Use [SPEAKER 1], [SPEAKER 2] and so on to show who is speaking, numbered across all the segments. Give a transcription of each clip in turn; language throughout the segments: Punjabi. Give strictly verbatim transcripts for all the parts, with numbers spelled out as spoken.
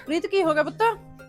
[SPEAKER 1] ਪ੍ਰੀਤ ਕੀ ਹੋ ਗਿਆ ਪੁੱਤ?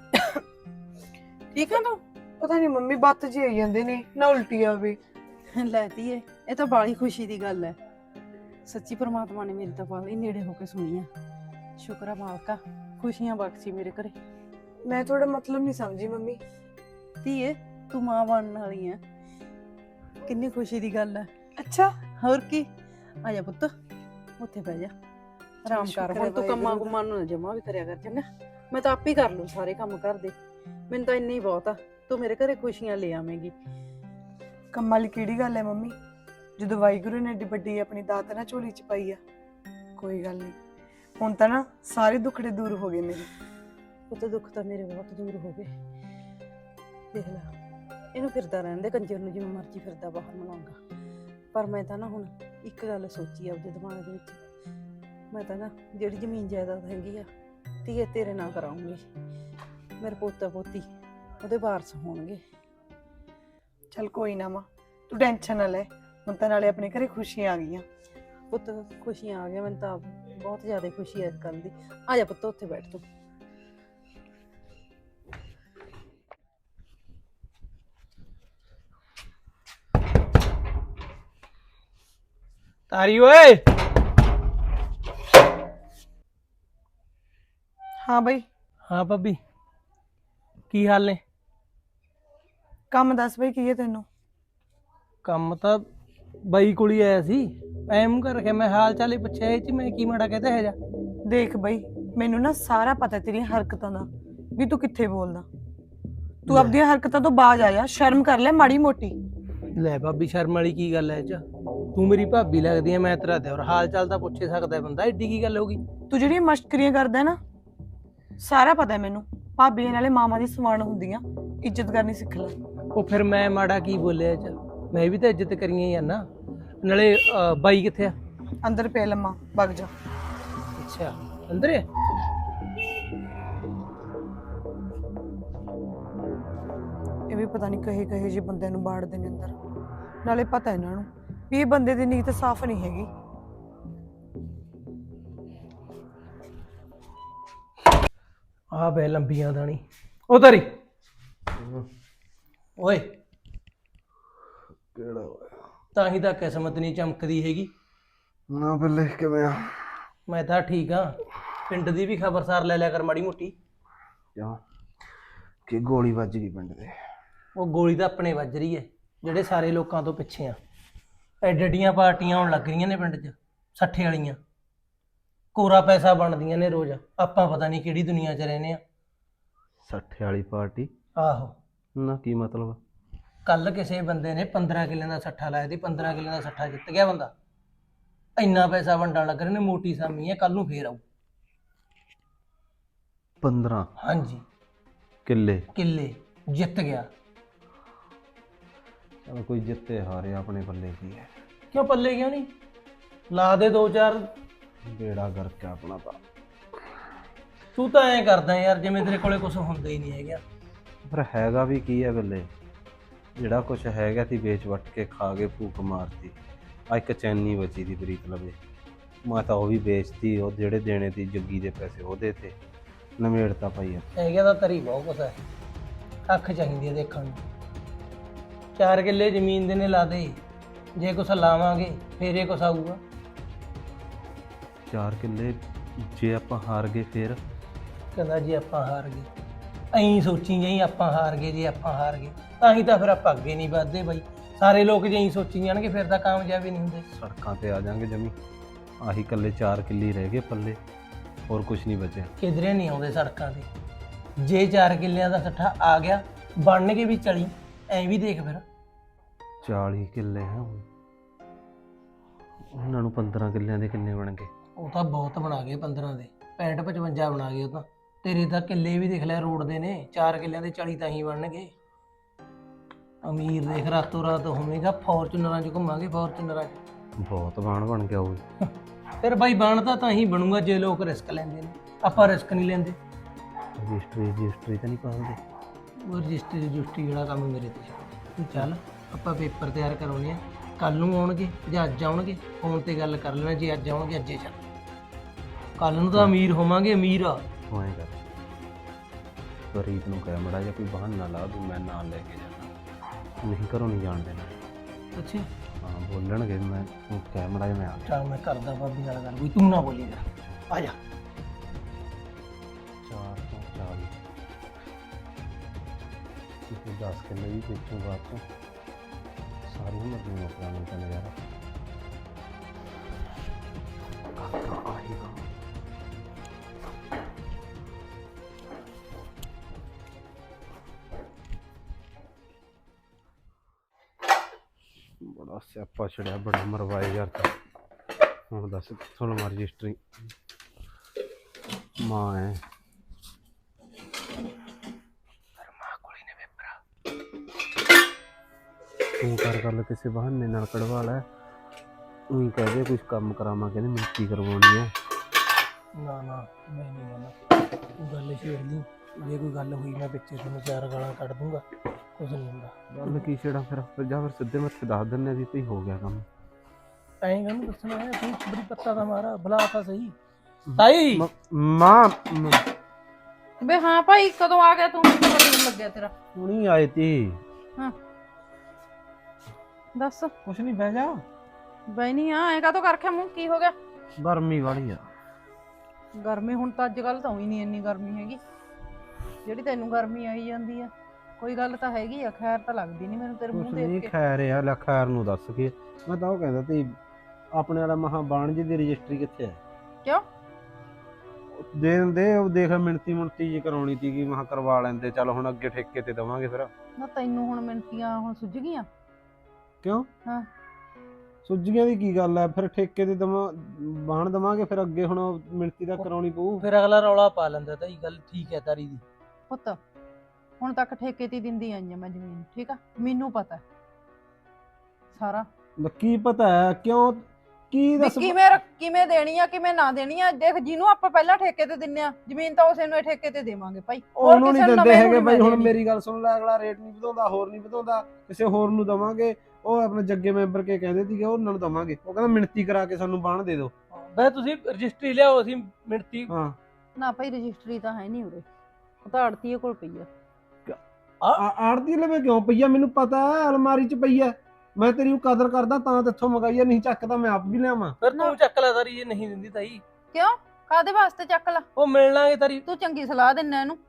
[SPEAKER 1] ਠੀਕ ਆ ਤੂੰ?
[SPEAKER 2] ਪਤਾ ਨਹੀਂ ਮੰਮੀ ਬੱਤ ਜੀ ਆਈ ਜਾਂਦੇ ਨੇ ਨਾ ਉਲਟੀ ਆਵੇ।
[SPEAKER 1] ਲੈ ਧੀਏ, ਇਹ ਤਾਂ ਬਾਲੀ ਖੁਸ਼ੀ ਦੀ ਗੱਲ ਹੈ। ਸੱਚੀ ਪ੍ਰਮਾਤਮਾ ਨੇ ਮੇਰੀ ਤਾਂ ਬਾਲੀ ਨੇੜੇ ਹੋ ਕੇ ਸੁਣੀ ਆ। ਸ਼ੁਕਰ ਆ ਮਾਲਕਾ, ਖੁਸ਼ੀਆਂ ਬਖਸ਼ੀ ਮੇਰੇ ਘਰੇ।
[SPEAKER 2] ਮੈਂ ਤੁਹਾਡਾ ਮਤਲਬ ਨਹੀਂ ਸਮਝੀ ਮੰਮੀ।
[SPEAKER 1] ਧੀਏ, ਤੂੰ ਮਾਂ ਬਣਨ ਵਾਲੀ ਆ, ਕਿੰਨੀ ਖੁਸ਼ੀ ਦੀ ਗੱਲ ਹੈ।
[SPEAKER 2] ਅੱਛਾ,
[SPEAKER 1] ਹੋਰ ਕੀ। ਆ ਜਾ ਪੁੱਤ, ਉੱਥੇ ਬਹਿ ਜਾ, ਆਰਾਮ ਕਰ। ਹੁਣ ਤੂੰ ਕੰਮਾਂ ਕੁਮਾਂ ਨੂੰ ਜਮਾ ਵੀ ਕਰਿਆ ਕਰ, ਚੰਗਾ? ਮੈਂ ਤਾਂ ਆਪ ਹੀ ਕਰ ਲੂ ਸਾਰੇ ਕੰਮ ਘਰ ਦੇ। ਮੈਨੂੰ ਤਾਂ ਇੰਨੀ ਬਹੁਤ ਆ, ਤੂੰ ਮੇਰੇ ਘਰੇ ਖੁਸ਼ੀਆਂ ਲੈ ਆਵੇਂਗੀ।
[SPEAKER 2] ਕੰਮਾਂ ਵਾਲੀ ਕਿਹੜੀ ਗੱਲ ਹੈ ਮੰਮੀ, ਜਦੋਂ ਵਾਹਿਗੁਰੂ ਨੇ ਏਡੀ ਵੱਡੀ ਆਪਣੀ ਦਾਤ ਨਾ ਝੋਲੀ ਚ ਪਾਈ ਆ। ਕੋਈ ਗੱਲ ਨਹੀਂ, ਹੁਣ ਤਾਂ ਨਾ ਸਾਰੇ ਦੁੱਖੜੇ ਦੂਰ ਹੋ ਗਏ ਮੇਰੇ।
[SPEAKER 1] ਪੁੱਤ ਦੁੱਖ ਤਾਂ ਮੇਰੇ ਬਹੁਤ ਦੂਰ ਹੋ ਗਏ। ਦੇਖ ਲੈ, ਇਹਨੂੰ ਫਿਰਦਾ ਰਹਿਣ ਦੇ ਕੰਜਰ ਨੂੰ, ਜਿਵੇਂ ਮਰਜ਼ੀ ਫਿਰਦਾ ਬਾਹਰ ਮਲਾਉਂਗਾ। ਪਰ ਮੈਂ ਤਾਂ ਨਾ ਹੁਣ ਇੱਕ ਗੱਲ ਸੋਚੀ ਆ ਆਪਦੇ ਦਿਮਾਗ ਦੇ ਵਿੱਚ। ਮੈਂ ਤਾਂ ਨਾ ਜਿਹੜੀ ਜ਼ਮੀਨ ਜਾਇਦਾਦ ਹੈਗੀ ਆ ਧੀਏ ਤੇਰੇ ਨਾਲ ਕਰਾਉਂਗੀ। ਮੇਰੇ ਪੋਤਾ ਪੋਤੀ ਉਹਦੇ ਵਾਰਸ ਹੋਣਗੇ।
[SPEAKER 2] ਚੱਲ ਕੋਈ ਨਾ ਮਾਂ, ਤੂੰ ਟੈਨਸ਼ਨ ਨਾ ਲੈ। ਹੁਣ ਤਾਂ ਨਾਲੇ ਆਪਣੇ ਘਰੇ ਖੁਸ਼ੀਆਂ ਆ ਗਈਆਂ।
[SPEAKER 1] ਪੁੱਤ ਖੁਸ਼ੀਆਂ ਆ ਗਈਆਂ, ਮੈਨੂੰ ਤਾਂ ਬਹੁਤ ਜ਼ਿਆਦਾ ਖੁਸ਼ੀ ਹੈ ਇਸ ਗੱਲ ਦੀ। ਆ ਜਾ ਪੁੱਤ, ਉੱਥੇ ਬੈਠ ਤੂੰ।
[SPEAKER 3] ਤਾਰੀ ਓਏ।
[SPEAKER 2] ਹਾਂ ਬਈ।
[SPEAKER 3] ਹਾਂ ਭਾਬੀ, ਕੀ ਹਾਲ ਨੇ?
[SPEAKER 2] ਕੰਮ ਦੱਸ ਬਈ, ਕੀ ਹੈ ਤੈਨੂੰ?
[SPEAKER 3] ਕੰਮ ਤਾਂ ਬਾਈ ਕੋਲ ਹੀ ਆਇਆ ਸੀ। ਐ ਮੂੰਹ ਕਰ ਰੱਖਿਆ, ਮੈਂ ਹਾਲ ਚਾਲ ਹੀ ਪੁੱਛਿਆ। ਇਹ ਚ ਮੈਂ ਕੀ ਮਾੜਾ ਕਹਤਾ ਹੈ ਜਾ?
[SPEAKER 2] ਦੇਖ ਬਈ, ਮੈਨੂੰ ਨਾ ਸਾਰਾ ਪਤਾ ਤੇਰੀਆਂ ਹਰਕਤਾਂ ਦਾ, ਵੀ ਤੂੰ ਕਿੱਥੇ ਬੋਲਦਾ। ਤੂੰ ਆਪਣੀਆਂ ਹਰਕਤਾਂ ਤੋਂ ਬਾਜ਼ ਆ ਜਾ, ਸ਼ਰਮ ਕਰ ਲੈ ਮਾੜੀ ਮੋਟੀ।
[SPEAKER 3] ਲੈ ਭਾਬੀ, ਸ਼ਰਮ ਵਾਲੀ ਕੀ ਗੱਲ ਐ ਇਹ ਚ? ਤੂੰ ਮੇਰੀ ਭਾਬੀ ਲੱਗਦੀ ਐ, ਮੈਂ ਤੇਰਾ ਦਿਓਰ। ਹਾਲ ਚਾਲ ਤਾਂ ਪੁੱਛੇ ਸਕਦਾ ਬੰਦਾ, ਏਡੀ ਕੀ ਗੱਲ ਹੋ ਗਈ?
[SPEAKER 2] ਤੂੰ ਜਿਹੜੀਆਂ ਮਸ਼ਕਰੀਆਂ ਕਰਦਾ ਨਾ, ਸਾਰਾ ਪਤਾ ਮੈਨੂੰ। ਭਾਬੀਆਂ ਨਾਲੇ ਮਾਮਾ ਦੀ ਸਮਾਨ ਹੁੰਦੀਆਂ, ਇੱਜ਼ਤ ਕਰਨੀ ਸਿੱਖ ਲੈ।
[SPEAKER 3] ਉਹ ਫਿਰ ਮੈਂ ਮਾੜਾ ਕੀ ਬੋਲਿਆ ਇਹ ਚ? ਮੈਂ ਵੀ ਤਾਂ ਇੱਜ਼ਤ ਕਰੀਏ ਆ ਨਾ। ਨਾਲੇ ਅਹ, ਬਾਈ ਕਿੱਥੇ ਆ?
[SPEAKER 2] ਅੰਦਰ ਪੈ ਲੰਮਾ, ਵਗ ਜਾ।
[SPEAKER 3] ਅੱਛਾ, ਅੰਦਰ ਹੈ।
[SPEAKER 2] ਇਹ ਵੀ ਪਤਾ ਨਹੀਂ ਕਹੇ ਕਹੇ ਜਿਹੇ ਬੰਦੇ ਨੂੰ ਬਾੜਦੇ ਨੇ ਅੰਦਰ। ਨਾਲੇ ਪਤਾ ਇਹਨਾਂ ਨੂੰ ਵੀ ਇਹ ਬੰਦੇ ਦੀ ਨੀਤ ਸਾਫ਼ ਨਹੀਂ ਹੈਗੀ।
[SPEAKER 3] ਆ ਬੈ ਲੰਬੀਆਂ ਦਾਣੀ ਉਹ ਤਾਰੀ ਓਏ।
[SPEAKER 4] ਕਿਹੜਾ ਹੋਇਆ?
[SPEAKER 3] ਤਾਂ ਹੀ ਤਾਂ ਕਿਸਮਤ ਨਹੀਂ ਚਮਕਦੀ ਹੈਗੀ
[SPEAKER 4] ਨਾ ਬੱਲੇ, ਕਿਵੇਂ ਆ?
[SPEAKER 3] ਮੈਂ ਤਾਂ ਠੀਕ ਆ। ਪਿੰਡ ਦੀ ਵੀ ਖਬਰਸਾਰ ਲੈ ਲਿਆ ਕਰ ਮਾੜੀ ਮੋਟੀ।
[SPEAKER 4] ਕਿਉਂ, ਕਿ ਗੋਲੀ ਵੱਜ ਗਈ ਪਿੰਡ ਦੇ?
[SPEAKER 3] ਉਹ ਗੋਲੀ ਤਾਂ ਆਪਣੇ ਵੱਜ ਰਹੀ ਹੈ, ਜਿਹੜੇ ਸਾਰੇ ਲੋਕਾਂ ਤੋਂ ਪਿੱਛੇ ਆ। ਐਡੀਆਂ ਪਾਰਟੀਆਂ ਆਉਣ ਲੱਗ ਰਹੀਆਂ ਨੇ ਪਿੰਡ 'ਚ, ਸੱਠੇ ਵਾਲੀਆਂ। ਕੋਰਾ ਪੈਸਾ ਬਣਦੀਆਂ ਨੇ ਰੋਜ਼। ਆਪਾਂ ਪਤਾ ਨਹੀਂ ਕਿਹੜੀ ਦੁਨੀਆ 'ਚ ਰਹਿੰਦੇ ਆ।
[SPEAKER 4] ਸੱਠੇ ਵਾਲੀ ਪਾਰਟੀ?
[SPEAKER 3] ਆਹੋ।
[SPEAKER 4] ਨਾ ਕੀ ਮਤਲਬ?
[SPEAKER 3] ਕੱਲ ਕਿਸੇ ਬੰਦੇ ਨੇ ਪੰਦਰਾਂ ਕਿੱਲਿਆਂ ਦਾ ਸੱਠਾ ਲਾਇਆ ਸੀ। ਪੰਦਰਾਂ ਕਿੱਲਿਆਂ ਦਾ ਸੱਠਾ ਜਿੱਤ ਗਿਆ ਬੰਦਾ। ਇੰਨਾ ਪੈਸਾ ਵੰਡਣ ਲੱਗ ਰਹੇ ਨੇ, ਮੋਟੀ ਸਾਮੀ ਹੈ। ਕੱਲ ਨੂੰ ਫੇਰ ਆਊ।
[SPEAKER 4] ਪੰਦਰਾਂ?
[SPEAKER 3] ਹਾਂਜੀ,
[SPEAKER 4] ਕਿੱਲੇ
[SPEAKER 3] ਕਿੱਲੇ ਜਿੱਤ ਗਿਆ।
[SPEAKER 4] ਚਲੋ ਕੋਈ ਜਿੱਤੇ ਹਾਰੇ, ਆਪਣੇ ਪੱਲੇ ਕੀ ਹੈ।
[SPEAKER 3] ਕਿਉਂ ਪੱਲੇ ਕਿਉਂ ਨਹੀਂ? ਲਾ ਦੇ ਦੋ ਚਾਰ।
[SPEAKER 4] ਬੇੜਾ ਕਰਕੇ ਆਪਣਾ ਤਾਂ।
[SPEAKER 3] ਤੂੰ ਤਾਂ ਐਂ ਕਰਦਾ ਯਾਰ ਜਿਵੇਂ ਤੇਰੇ ਕੋਲੇ ਕੁਝ ਹੁੰਦਾ ਹੀ ਨਹੀਂ ਹੈਗਾ।
[SPEAKER 4] ਪਰ ਹੈਗਾ ਵੀ ਕੀ ਹੈ ਬੱਲੇ? ਜਿਹੜਾ ਕੁਛ ਹੈਗਾ ਤੀ ਵੇਚ ਵੱਟ ਕੇ ਖਾ ਕੇ ਭੂਖ ਮਾਰਤੀ। ਆ ਇੱਕ ਚੈਨੀ ਬਚੀ ਦੀ ਪ੍ਰੀਤ ਲਵੇ, ਮੈਂ ਤਾਂ ਉਹ ਵੀ ਵੇਚਤੀ। ਉਹ ਜਿਹੜੇ ਦੇਣੇ ਤੀ ਜੱਗੀ ਦੇ ਪੈਸੇ ਉਹਦੇ ਤੇ ਨਵੇੜਤਾ ਪਈ ਆ।
[SPEAKER 3] ਹੈਗਾ ਤਾਂ ਤਰੀ ਬਹੁਤ ਕੁਛ ਹੈ। ਅੱਖ ਚਾਹੀਦੀ ਹੈ ਦੇਖਣ ਨੂੰ। ਚਾਰ ਕਿੱਲੇ ਜ਼ਮੀਨ ਦੇ ਨੇ ਲਾ ਦੇ, ਜੇ ਕੁਛ ਲਾਵਾਂਗੇ ਫੇਰ ਇਹ ਕੁਛ ਆਊਗਾ।
[SPEAKER 4] ਚਾਰ ਕਿੱਲੇ ਜੇ ਆਪਾਂ ਹਾਰ ਗਏ ਫੇਰ?
[SPEAKER 3] ਕਹਿੰਦਾ ਜੇ ਆਪਾਂ ਹਾਰ ਗਏ, ਐਂ ਸੋਚੀ ਜਾਈ ਆਪਾਂ ਹਾਰ ਗਏ। ਜੇ ਆਪਾਂ ਹਾਰ ਗਏ ਤਾਂ ਹੀ ਤਾਂ ਫਿਰ ਆਪਾਂ ਅੱਗੇ ਨਹੀਂ ਵੱਧਦੇ ਬਾਈ। ਸਾਰੇ ਲੋਕ ਜੇ ਐਂ ਸੋਚੀ ਜਾਣਗੇ ਫਿਰ ਤਾਂ ਕਾਮਯਾਬ ਹੀ ਨਹੀਂ ਹੁੰਦੇ।
[SPEAKER 4] ਸੜਕਾਂ ਤੇ ਆ ਜਾਾਂਗੇ ਜਮੀ। ਆਹੀ ਇਕੱਲੇ ਚਾਰ ਕਿੱਲੇ ਰਹਿ ਗਏ ਪੱਲੇ, ਹੋਰ ਕੁਝ ਨਹੀਂ ਬਚਿਆ।
[SPEAKER 3] ਕਿਧਰੇ ਨਹੀਂ ਆਉਂਦੇ ਸੜਕਾਂ ਤੇ। ਜੇ ਚਾਰ ਕਿੱਲਿਆਂ ਦਾ ਸੱਠਾ ਆ ਗਿਆ, ਬਣਨਗੇ ਵੀ ਚਲੀ। ਐਂ ਵੀ ਦੇਖ ਫਿਰ,
[SPEAKER 4] ਚਾਲੀ ਕਿੱਲੇ ਹੈ ਹੁਣ, ਉਹਨਾਂ ਨੂੰ ਪੰਦਰਾਂ ਕਿੱਲਿਆਂ ਦੇ ਕਿੰਨੇ ਬਣ ਗਏ?
[SPEAKER 3] ਉਹ ਤਾਂ ਬਹੁਤ ਬਣਾ ਗਏ ਪੰਦਰਾਂ ਦੇ। ਪੈਂਹਠ ਪਚਵੰਜਾ ਬਣਾ ਗਏ ਉਹ ਤਾਂ। ਤੇਰੇ ਤਾਂ ਕਿੱਲੇ ਵੀ ਦੇਖ ਲੈ ਰੋਡ ਦੇ ਨੇ। ਚਾਰ ਕਿੱਲਿਆਂ ਦੇ ਚਾਲੀ ਤਾਂ ਹੀ ਬਣਨਗੇ। ਅਮੀਰ ਦੇਖ ਰਾਤੋਂ ਰਾਤ ਹੋਵੇਗਾ। ਫੋਰਚੂਨਰਾਂ 'ਚ ਘੁੰਮਾਂਗੇ, ਫੋਰਚੂਨਰਾਂ 'ਚ।
[SPEAKER 4] ਬਹੁਤ ਬਾਣ ਬਣ ਗਿਆ ਉਹ।
[SPEAKER 3] ਫਿਰ ਬਾਈ ਬਣਦਾ ਤਾਂ ਹੀ ਬਣੂਗਾ ਜੇ ਲੋਕ ਰਿਸਕ ਲੈਂਦੇ ਨੇ। ਆਪਾਂ ਰਿਸਕ ਨਹੀਂ ਲੈਂਦੇ।
[SPEAKER 4] ਰਜਿਸਟਰੀ ਰਜਿਸਟਰੀ ਤਾਂ ਨਹੀਂ ਪਾਉਂਦੇ?
[SPEAKER 3] ਉਹ ਰਜਿਸਟਰੀ ਰਜਿਸਟਰੀ ਜਿਹੜਾ ਕੰਮ ਮੇਰੇ ਤੇ ਤੂੰ ਚੱਲ, ਆਪਾਂ ਪੇਪਰ ਤਿਆਰ ਕਰਾਉਣੇ ਆ। ਕੱਲ ਨੂੰ ਆਉਣਗੇ ਜਾਂ ਅੱਜ ਆਉਣਗੇ, ਫੋਨ ਤੇ ਗੱਲ ਕਰ ਲੈਣਾ। ਜੇ ਅੱਜ ਆਉਣਗੇ ਅੱਜੇ ਚੱਲ, ਕੱਲ ਨੂੰ ਤਾਂ ਅਮੀਰ ਹੋਵਾਂਗੇ। ਅਮੀਰ ਆ
[SPEAKER 4] ਹੋਏਗਾ। ਪ੍ਰੀਤ ਨੂੰ ਕਹਿ ਮੜਾ ਜਾਂ ਕੋਈ ਬਹਾਨਾ ਲਾ ਦੂੰ ਮੈਂ ਨਾਲ ਲੈ ਕੇ ਜਾਣਾ ਨਹੀਂ ਘਰੋਂ ਨਹੀਂ ਜਾਣ ਦੇਣਾ
[SPEAKER 3] ਅੱਛਾ
[SPEAKER 4] ਹਾਂ ਬੋਲਣਗੇ ਮੈਂ ਤੂੰ ਕਹਿ ਮੜਾ ਜਾਂ ਮੈਂ ਆ
[SPEAKER 3] ਚੱਲ ਮੈਂ ਕਰਦਾ ਭਾਬੀ ਨਾਲ ਗੱਲ, ਕੋਈ ਤੂੰ ਨਾ ਬੋਲੀ ਜਾ, ਆ ਜਾ।
[SPEAKER 4] ਚਾਰ ਤੋਂ ਚਾਲੀ ਇਹ ਦਸ ਕਿੱਲੇ ਵੀ ਵੇਚੂਗਾ ਬਾਅਦ ਚੋਂ ਸਾਰੀ ਉਮਰ ਦੀ ਨੌਕਰਾਂ ਨੂੰ ਤਾਂ ਨਜ਼ਾਰਾ ਕਾਕਾ ਆਏਗਾ ਬੜਾ ਸਿਆਪਾ ਛੜਿਆ ਬੜਾ ਮਰਵਾਏ ਯਾਰ ਤਾਂ ਹੁਣ ਦੱਸ ਕਿੱਥੋਂ ਲਵਾਂ ਰਜਿਸਟਰੀ ਮਾਂ ਹੈ ਤੂੰ ਕਰ ਗੱਲ ਕਿਸੇ ਬਹਾਨੇ ਨਾਲ ਕਢਵਾ ਲੈ ਉਹੀ ਕਹਦੇ ਕੁਝ ਕੰਮ ਕਰਾਵਾਂ ਕਹਿੰਦੇ ਮਿੱਟੀ ਕਰਵਾਉਣੀ ਹੈ
[SPEAKER 3] ਨਾ ਨਾ ਮੈਂ ਨਹੀਂ ਜਾਣਾ, ਤੂੰ ਗੱਲ ਛੇੜ ਲਈ, ਜੇ ਕੋਈ ਗੱਲ ਹੋਈ ਮੈਂ ਪਿੱਛੇ ਤੈਨੂੰ ਚਾਰ ਗਾਲਾਂ ਕੱਢ ਦੂੰਗਾ, ਕੁਝ ਨਹੀਂ ਹੁੰਦਾ।
[SPEAKER 4] ਗੱਲ ਕੀ ਛੇੜਾ ਫਿਰ ਫਿਰ ਜਾ ਫਿਰ ਸਿੱਧੇ ਮੱਥੇ ਦੱਸ ਦਿੰਨੇ ਵੀ ਭਈ ਹੋ ਗਿਆ ਕੰਮ
[SPEAKER 3] ਐਂ ਕਾਹਨੂੰ ਦੱਸਣਾ ਹੈ, ਤੂੰ ਬੜੀ ਪੱਤਾ ਦਾ ਮਾਰਾ ਬੁਲਾ ਤਾਂ ਸਹੀ। ਤਾਈ
[SPEAKER 4] ਮ- ਮਾਂ ਮ-
[SPEAKER 1] ਬੇ ਹਾਂ ਭਾਈ ਕਦੋਂ ਆ ਗਿਆ ਤੂੰ? ਮੈਨੂੰ ਤਾਂ ਪਤਾ ਨਹੀਂ ਲੱਗਿਆ ਤੇਰਾ।
[SPEAKER 4] ਹੁਣੀ ਆਏ ਤੀ
[SPEAKER 1] ਹਾਂ ਦੱਸ।
[SPEAKER 3] ਕੁਛ ਨਹੀਂ, ਬਹਿ ਜਾ।
[SPEAKER 1] ਬਈ ਨਹੀਂ ਆ ਐ ਕਾਹਤੋਂ ਕਰ ਰੱਖਿਆ ਮੂੰਹ, ਕੀ ਹੋ ਗਿਆ?
[SPEAKER 4] ਗਰਮੀ ਵਾਲੀ ਆ
[SPEAKER 1] ਗਰਮੀ ਹੁਣ ਤਾਂ ਅੱਜ ਕੱਲ ਤਾਂ ਹੋਈ ਨਹੀਂ ਇੰਨੀ ਗਰਮੀ ਹੈਗੀ ਜਿਹੜੀ ਤੈਨੂੰ ਗਰਮੀ ਆਈ ਜਾਂਦੀ ਆ। ਕੋਈ ਗੱਲ ਤਾਂ ਹੈਗੀ ਆ, ਖੈਰ ਤਾਂ ਲੱਗਦੀ ਨਹੀਂ ਮੈਨੂੰ ਤੇਰੇ
[SPEAKER 4] ਕੁਛ
[SPEAKER 1] ਮੂੰਹ
[SPEAKER 4] ਨਹੀਂ
[SPEAKER 1] ਦੇਖ ਕੇ।
[SPEAKER 4] ਖੈਰ ਆ ਲੈ ਖੈਰ ਨੂੰ ਦੱਸ ਕੇ ਮੈਂ ਤਾਂ ਉਹ ਕਹਿੰਦਾ ਤੀ ਆਪਣੇ ਵਾਲਾ ਮਹਾ ਬਾਣ ਜੀ ਦੀ ਰਜਿਸਟਰੀ ਕਿੱਥੇ ਹੈ?
[SPEAKER 1] ਕਿਉਂ?
[SPEAKER 4] ਦੇ ਦਿੰਦੇ ਉਹ ਦੇਖ ਮਿਣਤੀ ਮੁਣਤੀ ਜੀ ਕਰਾਉਣੀ ਤੀ ਕਿ ਮਹਾ ਕਰਵਾ ਲੈਂਦੇ ਚੱਲ ਹੁਣ ਅੱਗੇ ਠੇਕੇ ਤੇ ਦਵਾਂਗੇ ਫਿਰ
[SPEAKER 1] ਨਾ ਤੈਨੂੰ ਹੁਣ ਮਿੰਟੀਆਂ ਹੁਣ ਸੁੱਝ ਗਈਆਂ?
[SPEAKER 4] ਕਿਉਂ
[SPEAKER 1] ਹਾਂ
[SPEAKER 4] ਸੁੱਜੀਆਂ ਦੀ ਕੀ ਗੱਲ ਹੈ ਫਿਰ ਠੇਕੇ ਤੇ ਦਵਾਂ ਬਾਣ ਦਵਾਂਗੇ ਫਿਰ ਅੱਗੇ ਹੁਣ ਮਿਣਤੀ ਦਾ ਕਰਾਉਣੀ ਪਊ
[SPEAKER 3] ਫਿਰ ਅਗਲਾ ਰੌਲਾ ਪਾ ਲੈਂਦਾ, ਤਾਈ ਗੱਲ ਠੀਕ ਹੈ ਤਾਰੀ ਦੀ।
[SPEAKER 1] ਪੁੱਤ ਹੁਣ ਤੱਕ ਠੇਕੇ ਤੇ ਹੀ ਦਿੰਦੀ ਆਈ ਆ ਮੈਂ ਜ਼ਮੀਨ, ਠੀਕ ਆ? ਮੈਨੂੰ ਪਤਾ ਸਾਰਾ
[SPEAKER 4] ਕੀ ਪਤਾ ਹੈ ਕਿਉਂ ਕੀ
[SPEAKER 1] ਵੀ
[SPEAKER 4] ਦੱਸ
[SPEAKER 1] ਕਿਵੇਂ ਰੱਖ- ਕਿਵੇਂ ਦੇਣੀ ਆ ਕਿਵੇਂ ਨਾ ਦੇਣੀ ਆ। ਦੇਖ ਜਿਹਨੂੰ ਆਪਾਂ ਪਹਿਲਾਂ ਠੇਕੇ ਤੇ ਦਿੰਨੇ ਆ ਜ਼ਮੀਨ ਤਾਂ ਉਸੇ ਨੂੰ ਹੀ ਠੇਕੇ ਤੇ ਦੇਵਾਂਗੇ ਭਾਈ। ਹੋਰ
[SPEAKER 4] ਉਹਨੂੰ ਨਹੀਂ
[SPEAKER 1] ਕਿਸੇ ਨੂੰ
[SPEAKER 4] ਦਿੰਦੇ
[SPEAKER 1] ਨਵੇਂ
[SPEAKER 4] ਹੈਗੇ
[SPEAKER 1] ਨੂੰ
[SPEAKER 4] ਬਾਈ।
[SPEAKER 1] ਨਹੀਂ
[SPEAKER 4] ਹੁਣ
[SPEAKER 1] ਦੇਣੀ।
[SPEAKER 4] ਮੇਰੀ ਗੱਲ ਸੁਣ ਲੈ, ਅਗਲਾ ਰੇਟ ਨਹੀਂ ਵਧਾਉਂਦਾ ਹੋਰ ਨਹੀਂ ਵਧਾਉਂਦਾ, ਕਿਸੇ ਹੋਰ ਨੂੰ ਦਵਾਂਗੇ। ਉਹ ਆਪਣੇ ਜੱਗੇ ਮੈਂਬਰ ਕੇ ਕਹਿੰਦੇ ਸੀਗੇ ਉਹਨਾਂ ਨੂੰ ਦਵਾਂਗੇ, ਉਹ ਕਹਿੰਦਾ ਮਿਣਤੀ ਕਰਾ ਕੇ ਸਾਨੂੰ ਬਾਣ ਦੇ ਦਿਓ।
[SPEAKER 3] ਬਈ ਤੁਸੀਂ ਰਜਿਸਟਰੀ ਲਿਆਓ, ਅਸੀਂ ਮਿਣਤੀ।
[SPEAKER 4] ਹਾਂ
[SPEAKER 1] ਨਾ ਭਾਈ ਰਜਿਸਟਰੀ ਤਾਂ ਹੈ ਨਹੀਂ ਉਰੇ, ਉਹ ਤਾਂ ਆੜਤੀਏ ਕੋਲ ਪਈ ਆ।
[SPEAKER 4] ਆੜਤੀ ਲਵੇ ਕਿਉਂ ਪਈ ਆ? ਮੈਨੂੰ ਪਤਾ ਹੈ ਅਲਮਾਰੀ 'ਚ ਪਈ ਆ, ਮੈਂ ਤੇਰੀ ਕਦਰ ਕਰਦਾ ਤਾਂ ਤੇਥੋਂ ਮੰਗਾਈ ਆ, ਨਹੀਂ ਚੱਕਦਾ ਮੈਂ ਆਪ ਵੀ ਲਿਆਵਾਂ।
[SPEAKER 3] ਫਿਰ ਤੂੰ ਚੱਕ ਲੈ ਤਾਰੀ, ਇਹ ਨਹੀਂ ਦਿੰਦੀ ਤਾਈ।
[SPEAKER 1] ਕਿਉਂ? ਕਾਦੇ ਵਾਸਤੇ ਚੱਕ ਲਾ?
[SPEAKER 3] ਉਹ ਮਿਲ ਲਾਂਗੇ ਤਾਰੀ।
[SPEAKER 1] ਤੂੰ ਚੰਗੀ ਸਲਾਹ ਦਿੰਨਾ ਇਹਨੂੰ,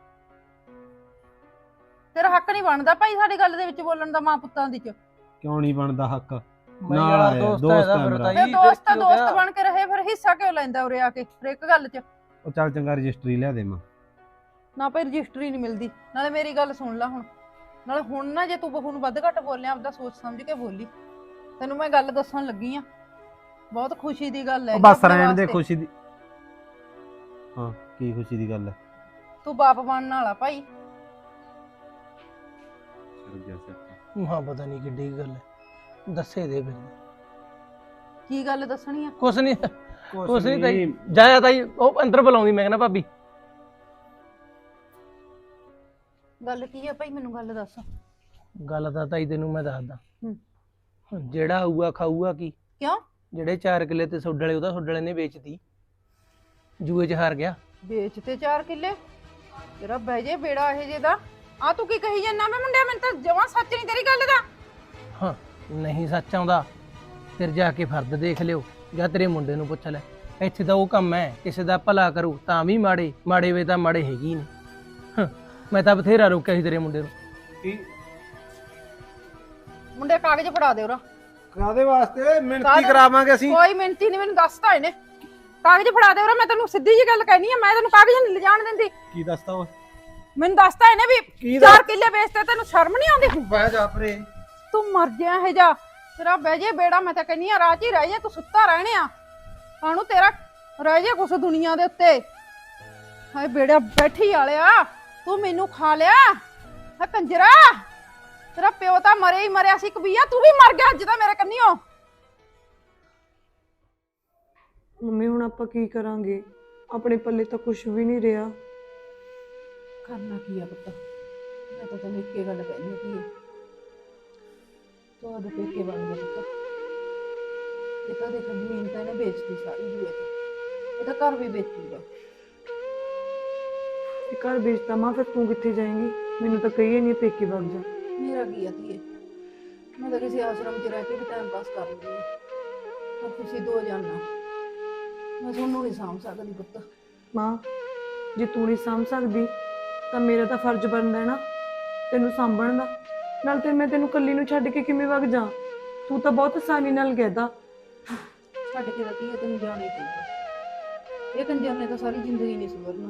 [SPEAKER 1] ਤੇਰਾ ਹੱਕ ਨਹੀਂ ਬਣਦਾ ਭਾਈ ਸਾਡੀ ਗੱਲ ਦੇ ਵਿੱਚ ਬੋਲਣ ਦਾ ਮਾਂ ਪੁੱਤਾਂ ਦੀ ਚ।
[SPEAKER 4] ਕਿਉਂ ਨਹੀਂ ਬਣਦਾ ਹੱਕ?
[SPEAKER 3] ਮੈਂ
[SPEAKER 4] ਨਾਲ
[SPEAKER 3] ਯਾਰ
[SPEAKER 4] ਆਇਆ,
[SPEAKER 3] ਦੋਸਤ
[SPEAKER 4] ਦੋਸਤ
[SPEAKER 3] ਹੈ
[SPEAKER 4] ਹੈ
[SPEAKER 3] ਫਿਰ
[SPEAKER 4] ਮੇਰਾ।
[SPEAKER 3] ਤਾਈ।
[SPEAKER 1] ਤੇ
[SPEAKER 3] ਫਿਰ
[SPEAKER 1] ਦੋਸਤ
[SPEAKER 3] ਕੀ ਹੋ
[SPEAKER 1] ਦੋਸਤ
[SPEAKER 3] ਗਿਆ?
[SPEAKER 1] ਬਣ ਕੇ ਰਹੇ, ਫਿਰ ਹਿੱਸਾ ਕਿਉਂ ਲੈਂਦਾ ਉਰੇ ਆ ਕੇ ਹਰ ਇੱਕ ਗੱਲ ਚ?
[SPEAKER 4] ਉਹ ਚੱਲ ਚੰਗਾ ਰਜਿਸਟਰੀ ਲਿਆ ਦੇ ਮਾਂ।
[SPEAKER 1] ਨਾ ਭਾਈ ਰਜਿਸਟਰੀ ਨਹੀਂ ਮਿਲਦੀ। ਨਾਲੇ ਮੇਰੀ ਗੱਲ ਸੁਣ ਲੈ ਹੁਣ, ਨਾਲੇ ਹੁਣ ਨਾ ਜੇ ਤੂੰ ਬਹੂ ਨੂੰ ਵੱਧ ਘੱਟ ਬੋਲਿਆ ਆਪਦਾ ਸੋਚ ਸਮਝ ਕੇ ਬੋਲੀ। ਤੈਨੂੰ ਮੈਂ ਗੱਲ ਦੱਸਣ ਲੱਗੀ ਆ, ਬਹੁਤ ਖੁਸ਼ੀ ਦੀ ਗੱਲ ਹੈ।
[SPEAKER 4] ਉਹ ਬਸ ਰਹਿਣ ਦੇ ਖੁਸ਼ੀ ਦੀ। ਹਾਂ ਕੀ ਖੁਸ਼ੀ ਦੀ ਗੱਲ ਹੈ?
[SPEAKER 1] ਤੂੰ ਬਾਪ ਬਣਨ ਵਾਲਾ ਭਾਈ।
[SPEAKER 3] ਹਾਂ ਪਤਾ ਨਹੀਂ ਕਿੱਡੀ ਕੁ ਗੱਲ ਹੈ, ਦੱਸੇ ਦੇ ਫਿਰ।
[SPEAKER 1] ਕੀ ਗੱਲ ਦੱਸਣੀ ਆ?
[SPEAKER 3] ਕੁਛ ਨਹੀਂ ਕੁਛ ਨਹੀਂ ਤਾਈ। ਜਾਇਆ ਤਾਈ, ਉਹ ਅੰਦਰ ਬੁਲਾਉਂਦੀ, ਮੈਂ ਕਹਿੰਦਾ ਭਾਬੀ।
[SPEAKER 1] ਗੱਲ ਕੀ ਆ ਭਾਈ, ਮੈਨੂੰ ਗੱਲ ਦੱਸ।
[SPEAKER 3] ਗੱਲ ਤਾਂ ਤਾਈ ਤੈਨੂੰ ਮੈਂ ਦੱਸਦਾ।
[SPEAKER 1] ਹੂੰ।
[SPEAKER 3] ਜਿਹੜਾ ਆਊਗਾ ਖਾਊਗਾ ਕੀ?
[SPEAKER 1] ਕਿਉਂ?
[SPEAKER 3] ਜਿਹੜੇ ਚਾਰ ਕਿੱਲੇ ਤੇ ਸੁੱਡ ਵਾਲੇ, ਉਹਦਾ ਸੁੱਡ ਵਾਲੇ ਨੇ ਵੇਚਤੀ, ਜੂਏ 'ਚ ਹਾਰ ਗਿਆ।
[SPEAKER 1] ਵੇਚ ਤੇ ਚਾਰ ਕਿੱਲੇ? ਤੇਰਾ ਬਹਿ ਜੇ ਬੇੜਾ ਇਹ ਜੇ ਦਾ। ਆ ਤੂੰ ਕੀ ਕਹੀ ਜਾਂਦਾ? ਮੈਂ ਮੁੰਡਿਆ ਮੈਨੂੰ ਤਾਂ ਜਮਾਂ ਸੱਚ ਨਹੀਂ ਤੇਰੀ ਗੱਲ ਦਾ।
[SPEAKER 3] ਹਾਂ ਨਹੀਂ ਸੱਚ ਆਉਂਦਾ ਫਿਰ ਜਾ ਕੇ ਫਰਦ ਦੇਖ ਲਿਓ, ਜਾਂ ਤੇਰੇ ਮੁੰਡੇ ਨੂੰ ਪੁੱਛ ਲੈ। ਇੱਥੇ ਤਾਂ ਉਹ ਕੰਮ ਹੈ, ਕਿਸੇ ਦਾ ਭਲਾ ਕਰੂ ਤਾਂ ਵੀ ਮਾੜੇ, ਮਾੜੇ ਵੇ ਤਾਂ ਮਾੜੇ ਹੈਗੇ ਹੀ ਨੇ। ਮੈਂ ਤਾਂ ਬਥੇਰਾ ਰੋਕਿਆ ਸੀ ਤੇਰੇ ਮੁੰਡੇ ਨੂੰ।
[SPEAKER 4] ਕੀ
[SPEAKER 1] ਮੁੰਡੇ ਕਾਗਜ਼ ਫੜਾ ਦੇ ਉਰਾ।
[SPEAKER 4] ਕਾਦੇ ਵਾਸਤੇ? ਮਿਣਤੀ
[SPEAKER 1] ਕਾਹਦੇ?
[SPEAKER 4] ਕਰਾਵਾਂਗੇ ਅਸੀਂ।
[SPEAKER 1] ਕੋਈ ਮਿੰਤੀ ਨਹੀਂ, ਮੈਨੂੰ ਦੱਸਤਾ ਇਹਨੇ। ਕਾਗਜ਼ ਫੜਾ ਦੇ ਉਰਾ, ਮੈਂ ਤੈਨੂੰ ਸਿੱਧੀ ਜੀ ਗੱਲ ਕਹਿਣੀ ਆ, ਮੈਂ ਤੈਨੂੰ ਕਾਗਜ਼ ਨਹੀਂ ਲਿਜਾਣ ਦਿੰਦੀ।
[SPEAKER 4] ਕੀ ਦੱਸਦਾ ਉਹ?
[SPEAKER 1] ਮੈਨੂੰ ਦੱਸਤਾ ਇਹਨੇ ਵੀ
[SPEAKER 4] ਕੀ
[SPEAKER 1] ਚਾਰ ਕਿੱਲੇ ਵੇਚਤੇ, ਤੈਨੂੰ ਸ਼ਰਮ ਨਹੀਂ ਆਉਂਦੀ?
[SPEAKER 4] ਬਹਿ ਜਾ ਪਰੇ।
[SPEAKER 1] ਤੂੰ ਮਰ ਜਾ ਇਹ ਜਾ, ਤੇਰਾ ਬਹਿ ਜੇ ਬੇੜਾ। ਮੈਂ ਤਾਂ ਕਹਿੰਨੀ ਆ ਰਾਹ 'ਚ ਹੀ ਰਹਿ ਜਾ, ਤੂੰ ਸੁੱਤਾ ਰਹਿਣੇ ਆ ਕਾਹਨੂੰ, ਤੇਰਾ ਰਹਿ ਜਾ ਕੁਛ ਦੁਨੀਆ ਦੇ ਉੱਤੇ। ਹਾਏ ਬੇੜਾ ਬੈਠੀ ਵਾਲਿਆ, ਤੂੰ ਮੈਨੂੰ ਖਾ ਲਿਆ ਹੈ ਕੰਜਰਾ। ਤੇਰਾ ਪਿਓ ਤਾਂ ਮਰੇ ਹੀ ਮਰਿਆ ਸੀ ਕਬੀਆ, ਤੂੰ ਵੀ ਮਰ ਗਿਆ ਅੱਜ ਤਾਂ ਮੇਰੇ ਕੰਨੀਓ।
[SPEAKER 2] ਮੰਮੀ ਹੁਣ ਆਪਾਂ ਕੀ ਕਰਾਂਗੇ? ਆਪਣੇ ਪੱਲੇ ਤਾਂ ਕੁਝ ਵੀ ਨਹੀਂ ਰਿਹਾ।
[SPEAKER 1] ਕਰਨਾ ਕੀ ਆ ਪੁੱਤ? ਮੈਂ ਤਾਂ ਤੈਨੂੰ ਇੱਕੇ ਗੱਲ ਕਹਿਣੀ ਕੀ ਹੈ, ਤੂੰ ਉਹਦੇ ਪੇਕੇ ਬਣ ਗਿਆ ਪੁੱਤ। ਇਹ ਤਾਂ ਦੇਖ ਜ਼ਮੀਨ ਤਾਂ ਇਹਨੇ ਵੇਚਤੀ ਸਾਰੀ ਜੂਏ ਤੇ, ਇਹ ਤਾਂ ਘਰ ਵੀ ਵੇਚੂਗਾ।
[SPEAKER 2] ਤੇ ਘਰ ਵੇਚਤਾ ਮਾਂ, ਫਿਰ ਤੂੰ ਕਿੱਥੇ ਜਾਏਂਗੀ? ਮੈਨੂੰ ਤਾਂ ਕਹੀਏ ਨਹੀਂ ਪੇਕੇ ਵਗ ਜਾ।
[SPEAKER 1] ਮੇਰਾ ਕੀ ਆ ਧੀਏ, ਮੈਂ ਤਾਂ ਕਿਸੇ ਆਸ਼ਰਮ 'ਚ ਰਹਿ ਕੇ ਵੀ ਟਾਈਮ ਪਾਸ ਕਰ ਲੂੰਗੀ, ਪਰ ਤੁਸੀਂ ਦੋ ਜਾਣਾ, ਮੈਂ ਤੁਹਾਨੂੰ ਨਹੀਂ ਸਾਂਭ ਸਕਦੀ ਪੁੱਤ।
[SPEAKER 2] ਮਾਂ ਜੇ ਤੂੰ ਨਹੀਂ ਸਾਂਭ ਸਕਦੀ ਤਾਂ ਮੇਰਾ ਤਾਂ ਫਰਜ਼ ਬਣਦਾ ਹੈ ਨਾ ਤੈਨੂੰ ਸਾਂਭਣ ਦਾ। ਨਾਲ ਤੇ ਮੈਂ ਤੈਨੂੰ ਇਕੱਲੀ ਨੂੰ ਛੱਡ ਕੇ ਕਿਵੇਂ ਵਗ ਜਾ? ਤੂੰ ਤਾਂ ਬਹੁਤ ਆਸਾਨੀ ਨਾਲ ਕਹਿਦਾ।
[SPEAKER 1] ਛੱਡ ਕੇ ਤਾਂ ਧੀਏ ਤੈਨੂੰ ਜਾਣਾ ਹੀ ਪਊਗਾ, ਇਹ ਕੰਜਰ ਨੇ ਤਾਂ ਸਾਰੀ ਜ਼ਿੰਦਗੀ ਨਹੀਂ ਸੁਧਰਨਾ।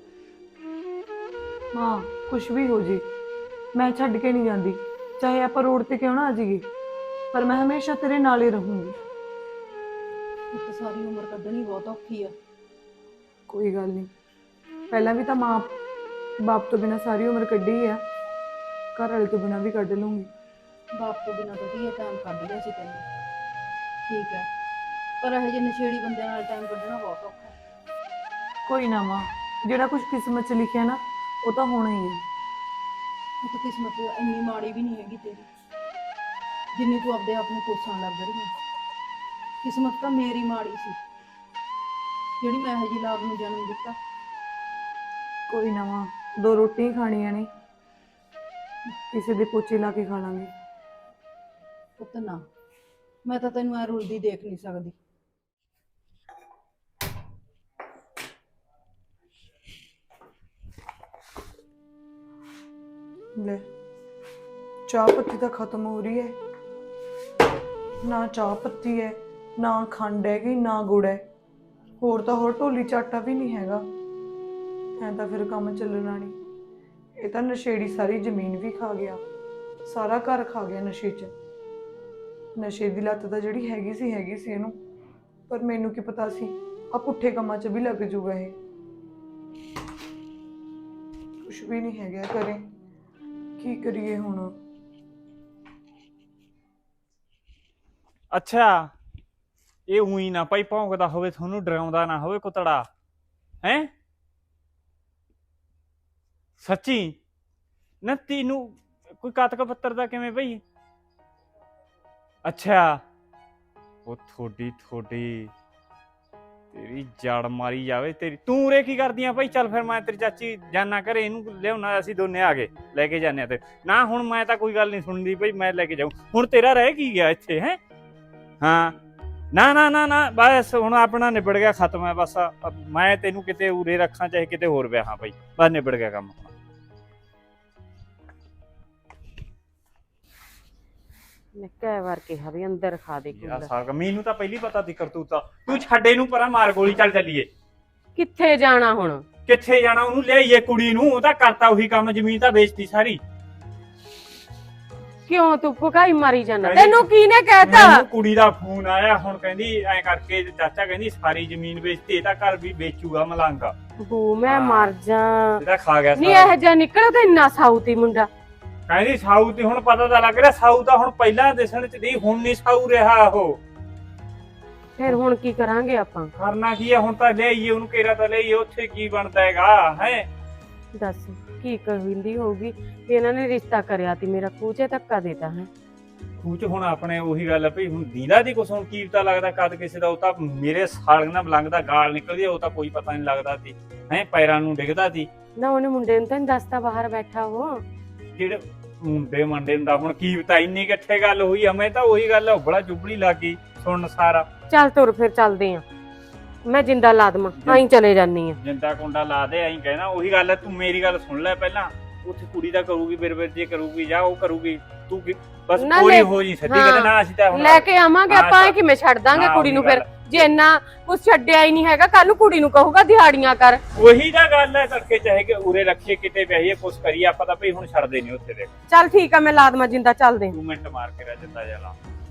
[SPEAKER 2] ਮਾਂ ਕੁਛ ਵੀ ਹੋ ਜੇ ਮੈਂ ਛੱਡ ਕੇ ਨਹੀਂ ਜਾਂਦੀ, ਚਾਹੇ ਆਪਾਂ ਰੋਡ ਤੇ ਕਿਉਂ ਨਾ ਆ ਜਾਈਏ, ਪਰ ਮੈਂ ਹਮੇਸ਼ਾ ਤੇਰੇ ਨਾਲ ਹੀ ਰਹੂੰਗੀ।
[SPEAKER 1] ਪੁੱਤ ਸਾਰੀ ਉਮਰ ਕੱਢਣੀ ਬਹੁਤ ਔਖੀ ਆ।
[SPEAKER 2] ਕੋਈ ਗੱਲ ਨਹੀਂ, ਪਹਿਲਾਂ ਵੀ ਤਾਂ ਮਾਂ ਬਾਪ ਤੋਂ ਬਿਨਾਂ ਸਾਰੀ ਉਮਰ ਕੱਢੀ ਆ, ਘਰ ਵਾਲੇ ਤੋਂ ਬਿਨਾਂ ਵੀ ਕੱਢ ਲੂੰਗੀ।
[SPEAKER 1] ਬਾਪ ਤੋਂ ਬਿਨਾਂ ਤਾਂ ਧੀਏ ਟਾਈਮ ਕੱਢ ਲਿਆ ਸੀ ਤੈਨੂੰ, ਠੀਕ ਹੈ, ਪਰ ਇਹੋ ਜਿਹੇ ਨਸ਼ੇੜੀ ਬੰਦਿਆਂ ਨਾਲ ਟਾਈਮ ਕੱਢਣਾ ਬਹੁਤ ਔਖਾ ਹੈ।
[SPEAKER 2] ਕੋਈ ਨਾ ਮਾਂ, ਜਿਹੜਾ ਕੁਝ ਕਿਸਮਤ 'ਚ ਲਿਖਿਆ ਨਾ ਉਹ ਤਾਂ ਹੋਣਾ ਹੀ ਹੈ।
[SPEAKER 1] ਉਹ ਤਾਂ ਕਿਸਮਤ ਇੰਨੀ ਮਾੜੀ ਵੀ ਨਹੀਂ ਹੈਗੀ ਤੇਰੀ ਜਿੰਨੀ ਤੂੰ ਆਪਦੇ ਆਪ ਨੂੰ ਕੋਸਣ ਲੱਗ ਰਹੀ ਹੈ। ਕਿਸਮਤ ਤਾਂ ਮੇਰੀ ਮਾੜੀ ਸੀ ਜਿਹੜੀ ਮੈਂ ਇਹੋ ਜਿਹੀ ਲਾਭ ਨੂੰ ਜਨਮ ਦਿੱਤਾ।
[SPEAKER 2] ਕੋਈ ਨਾ ਮਾਂ, ਦੋ ਰੋਟੀਆਂ ਖਾਣੀਆਂ ਨੇ, ਕਿਸੇ ਦੇ ਪੋਚੇ ਲਾ ਕੇ ਖਾ ਲਾਂਗੇ।
[SPEAKER 1] ਪੁੱਤ ਨਾ, ਮੈਂ ਤਾਂ ਤੈਨੂੰ ਐ ਰੁਲਦੀ ਦੇਖ ਨਹੀਂ ਸਕਦੀ।
[SPEAKER 2] ਲੈ ਚਾਹ ਪੱਤੀ ਤਾਂ ਖਤਮ ਹੋ ਰਹੀ ਹੈ, ਨਾ ਚਾਹ ਪੱਤੀ ਹੈ, ਨਾ ਖੰਡ ਹੈਗੀ, ਨਾ ਗੁੜ ਹੈ, ਹੋਰ ਤਾਂ ਹੋਰ ਢੋਲੀ ਚਾਟਾ ਵੀ ਨਹੀਂ ਹੈਗਾ। ਐਂ ਤਾਂ ਫਿਰ ਕੰਮ ਚੱਲਣਾ ਨਹੀਂ। ਇਹ ਤਾਂ ਨਸ਼ੇੜੀ ਸਾਰੀ ਜ਼ਮੀਨ ਵੀ ਖਾ ਗਿਆ, ਸਾਰਾ ਘਰ ਖਾ ਗਿਆ ਨਸ਼ੇ 'ਚ। ਨਸ਼ੇ ਦੀ ਲੱਤ ਤਾਂ ਜਿਹੜੀ ਹੈਗੀ ਸੀ ਹੈਗੀ ਸੀ ਇਹਨੂੰ, ਪਰ ਮੈਨੂੰ ਕੀ ਪਤਾ ਸੀ ਆ ਪੁੱਠੇ ਕੰਮਾਂ 'ਚ ਵੀ ਲੱਗ ਜੂਗਾ ਇਹ। ਕੁਛ ਵੀ ਨਹੀਂ ਹੈਗਾ ਘਰੇ, ਕੀ ਕਰੀਏ ਹੁਣ?
[SPEAKER 5] ਅੱਛਾ, ਇਹ ਉਹੀ ਨਾ ਭਾਈ ਭੌਂਕਦਾ ਹੋਵੇ, ਤੁਹਾਨੂੰ ਡਰਾਉਂਦਾ ਨਾ ਹੋਵੇ ਕੁੱਤੜਾ ਹੈ? ਸੱਚੀ ਨਾ ਤੈਨੂੰ ਕੋਈ ਕਾਤਕ ਪੱਤਰ ਦਾ ਕਿਵੇਂ ਭਈ? ਅੱਛਾ, ਉਹ ਥੋੜੀ ਥੋੜੀ ਤੇਰੀ ਜੜ ਮਾਰੀ ਜਾਵੇ ਤੇਰੀ। ਤੂੰ ਉਰੇ ਕੀ ਕਰਦੀਆਂ ਭਾਈ? ਚੱਲ ਫਿਰ ਮੈਂ ਤੇਰੀ ਚਾਚੀ ਜਾਨਾ ਘਰੇ, ਇਹਨੂੰ ਲਿਆਉਣਾ, ਅਸੀਂ ਦੋਨੇ ਆ ਗਏ ਲੈ ਕੇ ਜਾਂਦੇ ਆ। ਤੇ ਨਾ ਹੁਣ ਮੈਂ ਤਾਂ ਕੋਈ ਗੱਲ ਨਹੀਂ ਸੁਣਦੀ ਭਾਈ, ਮੈਂ ਲੈ ਕੇ ਜਾਊਂ। ਹੁਣ ਤੇਰਾ ਰਹਿ ਕੀ ਗਿਆ ਇੱਥੇ ਹੈ? ਹਾਂ ਨਾ ਨਾ ਨਾ ਨਾ ਬਸ ਹੁਣ ਆਪਣਾ ਨਿਬੜ ਗਿਆ, ਖਤਮ ਹੈ ਬਸ। ਮੈਂ ਤੈਨੂੰ ਕਿਤੇ ਉਰੇ ਰੱਖਾਂ ਚਾਹੇ ਕਿਤੇ ਹੋਰ ਵਿਆਹਾਂ ਭਾਈ, ਬਸ ਨਿਬੜ ਗਿਆ ਕੰਮ।
[SPEAKER 6] ਮੈਂ ਕਈ ਵਾਰ ਕਿਹਾ ਵੀ ਅੰਦਰ ਖਾ ਦੇ
[SPEAKER 5] ਯਾਰ
[SPEAKER 6] ਕੂਲਰ।
[SPEAKER 5] ਸਾਗ ਮੈਨੂੰ ਤਾਂ ਪਹਿਲੀ ਪਤਾ ਸੀ ਕਰਤੂਤਾ। ਤੂੰ ਛੱਡੇ ਨੂੰ ਪਰਾਂ ਮਾਰ ਗੋਲੀ, ਚੱਲ ਚੱਲੀਏ।
[SPEAKER 6] ਕਿੱਥੇ ਜਾਣਾ ਹੁਣ?
[SPEAKER 5] ਕਿੱਥੇ ਜਾਣਾ? ਉਹਨੂੰ ਲਿਆਈਏ ਕੁੜੀ ਨੂੰ, ਉਹ ਤਾਂ ਕਰਤਾ ਉਹੀ ਕੰਮ, ਜ਼ਮੀਨ ਤਾਂ ਵੇਚਤੀ ਸਾਰੀ।
[SPEAKER 6] ਕਿਉਂ ਤੂੰ ਭੁਕਾਈ ਮਾਰੀ ਜਾਣਾ?
[SPEAKER 5] ਕਹਿੰਦੀ-
[SPEAKER 6] ਤੈਨੂੰ ਕਿਹਨੇ ਕਹਿਤਾ?
[SPEAKER 5] ਮੈਨੂੰ ਕੁੜੀ ਦਾ ਫੋਨ ਆਇਆ, ਹੁਣ ਕਹਿੰਦੀ ਐ ਕਰਕੇ ਚਾਚਾ ਕਹਿੰਦੀ ਸਾਰੀ ਜ਼ਮੀਨ ਵੇਚਤੀ, ਇਹਦਾ ਘਰ ਵੀ ਵੇਚੂਗਾ ਮਲੰਗ।
[SPEAKER 6] ਬੂ ਮੈਂ
[SPEAKER 5] ਹਾਂ।
[SPEAKER 6] ਮਰ ਜਾ।
[SPEAKER 5] ਇਹਦਾ ਖਾ ਗਿਆ
[SPEAKER 6] ਨਹੀਂ
[SPEAKER 5] ਸਾਰਾ।
[SPEAKER 6] ਇਹ ਜਿਹਾ ਨਿਕਲਿਆ ਤੇ ਇੰਨਾ ਸਾਊਤੀ ਮੁੰਡਾ।
[SPEAKER 5] ਕਹਿੰਦੀ ਸਾਊ ਤੇ ਹੁਣ ਪਤਾ ਤਾਂ ਲੱਗ ਰਿਹਾ, ਸਾਊ ਤਾਂ ਹੁਣ ਪਹਿਲਾਂ ਦਿਸਣ ਚ ਦੀ, ਹੁਣ ਨਹੀਂ ਸਾਊ ਰਿਹਾ ਉਹ।
[SPEAKER 6] ਫਿਰ ਹੁਣ ਕੀ ਕਰਾਂਗੇ ਆਪਾਂ?
[SPEAKER 5] ਕਰਨਾ ਕੀ ਹੈ ਹੁਣ? ਤਾਂ ਲਿਆਈਏ ਉਹਨੂੰ, ਕੇਰਾ ਤਾਂ ਲਿਆਈਏ, ਉੱਥੇ ਕੀ ਬਣਦਾ ਹੈਗਾ ਹੈ?
[SPEAKER 6] ਦੱਸ ਕੀ ਕਹਿੰਦੀ ਹੋਊਗੀ ਵੀ ਇਹਨਾਂ ਨੇ ਰਿਸ਼ਤਾ ਕਰਿਆ ਤੀ, ਮੇਰਾ ਕੂਚੇ ਧੱਕਾ ਦੇਤਾ ਹੈ।
[SPEAKER 5] ਖੂਚ ਹੁਣ ਆਪਣੇ ਉਹੀ ਗੱਲ ਹੈ ਭਈ, ਹੁਣ ਦੀਦਾ ਦੀ ਕੁਛ ਹੁਣ ਕੀ ਪਤਾ ਲੱਗਦਾ ਕਦ ਕਿਸੇ ਦਾ। ਉਹ ਤਾਂ ਮੇਰੇ ਸਾਲ ਨਾਲ ਬਲੰਗ ਦਾ ਗਾਲ ਨਿਕਲਦੀ, ਉਹ ਤਾਂ ਕੋਈ ਪਤਾ ਨਹੀਂ ਲੱਗਦਾ ਸੀ ਹੈ, ਪੈਰਾਂ ਨੂੰ ਡਿੱਗਦਾ ਸੀ।
[SPEAKER 6] ਨਾ ਉਹਨੇ ਮੁੰਡੇ ਨੂੰ ਤਾਂ ਨੀ ਦੱਸਤਾ ਬਾਹਰ ਬੈਠਾ ਉਹ।
[SPEAKER 5] ਜਿਹੜੇ ਮੁੰਡੇ ਮੰਡੇ ਦਾ ਹੁਣ ਕੀ ਪਤਾ, ਇੰਨੀ ਇਕੱਠੇ ਗੱਲ ਹੋਈ। ਹਮੇ ਤਾਂ ਉਹੀ ਗੱਲ ਉਬੜਾ ਚੁਬੜੀ ਲੱਗ ਗਈ ਸੁਣਨ ਸਾਰਾ।
[SPEAKER 6] ਚੱਲ ਤੁਰ ਫਿਰ ਚੱਲਦੇ ਆ, ਮੈਂ ਜਿੰਦਾ ਲਾ ਦਵਾਂ, ਆਈ ਚਲੇ ਜਾਨੀ ਆ।
[SPEAKER 5] ਜਿੰਦਾ ਕੁੰਡਾ ਲਾ ਦੇ, ਐਂ ਕਹਿਣਾ ਉਹੀ ਗੱਲ ਹੈ। ਤੂੰ ਮੇਰੀ ਗੱਲ ਸੁਣ ਲੈ ਪਹਿਲਾਂ, ਉੱਥੇ ਕੁੜੀ ਦਾ ਕਰੂਗੀ ਬਿਰ ਬਿਰ ਜੇ ਕਰੂਗੀ ਜਾਂ ਉਹ ਕਰੂਗੀ, ਤੂੰ ਕੀ ਬਸ
[SPEAKER 6] ਨਾ
[SPEAKER 5] ਕੋਈ
[SPEAKER 6] ਲੈ-
[SPEAKER 5] ਹੋ ਜੀ ਸੱਚੀ
[SPEAKER 6] ਹਾਂ।
[SPEAKER 5] ਕਹਿੰਦੇ ਨਾ। ਅਸੀਂ ਤਾਂ ਹੁਣ
[SPEAKER 6] ਲੈ ਕੇ ਆਵਾਂਗੇ
[SPEAKER 5] ਹਾਂ,
[SPEAKER 6] ਆਪਾਂ, ਇਹ ਕਿਵੇਂ ਛੱਡ ਦਾਂਗੇ
[SPEAKER 5] ਹਾਂ,
[SPEAKER 6] ਕੁੜੀ ਨੂੰ?
[SPEAKER 5] ਉਹੀ
[SPEAKER 6] ਫਿਰ
[SPEAKER 5] ਗੱਲ।
[SPEAKER 6] ਜੇ ਇੰਨਾ ਕੁਛ ਛੱਡਿਆ ਹੀ ਨਹੀਂ ਹੈਗਾ, ਕੱਲ ਨੂੰ ਕੁੜੀ ਨੂੰ ਕਹੂਗਾ ਦਿਹਾੜੀਆਂ ਕਰ।
[SPEAKER 5] ਉਹੀ ਤਾਂ ਗੱਲ ਹੈ, ਤੜਕੇ ਚਾਹੇ ਕਿ ਉਰੇ ਰੱਖੀਏ ਕਿਤੇ ਵਿਆਹੀਏ ਕੁਛ ਕਰੀਏ, ਆਪਾਂ ਤਾਂ ਭਈ ਹੁਣ ਛੱਡਦੇ ਨਹੀਂ ਉੱਥੇ। ਦੇਖ
[SPEAKER 6] ਚੱਲ ਠੀਕ ਆ, ਮੈਂ ਲਾ ਦਵਾਂ ਜਿੰਦਾ, ਚੱਲਦੇ ਆ।
[SPEAKER 5] ਤੂੰ ਮਿੰਟ ਮਾਰ ਕੇ ਰਹਿ ਜਿੰਦਾ ਜਾਣਾ।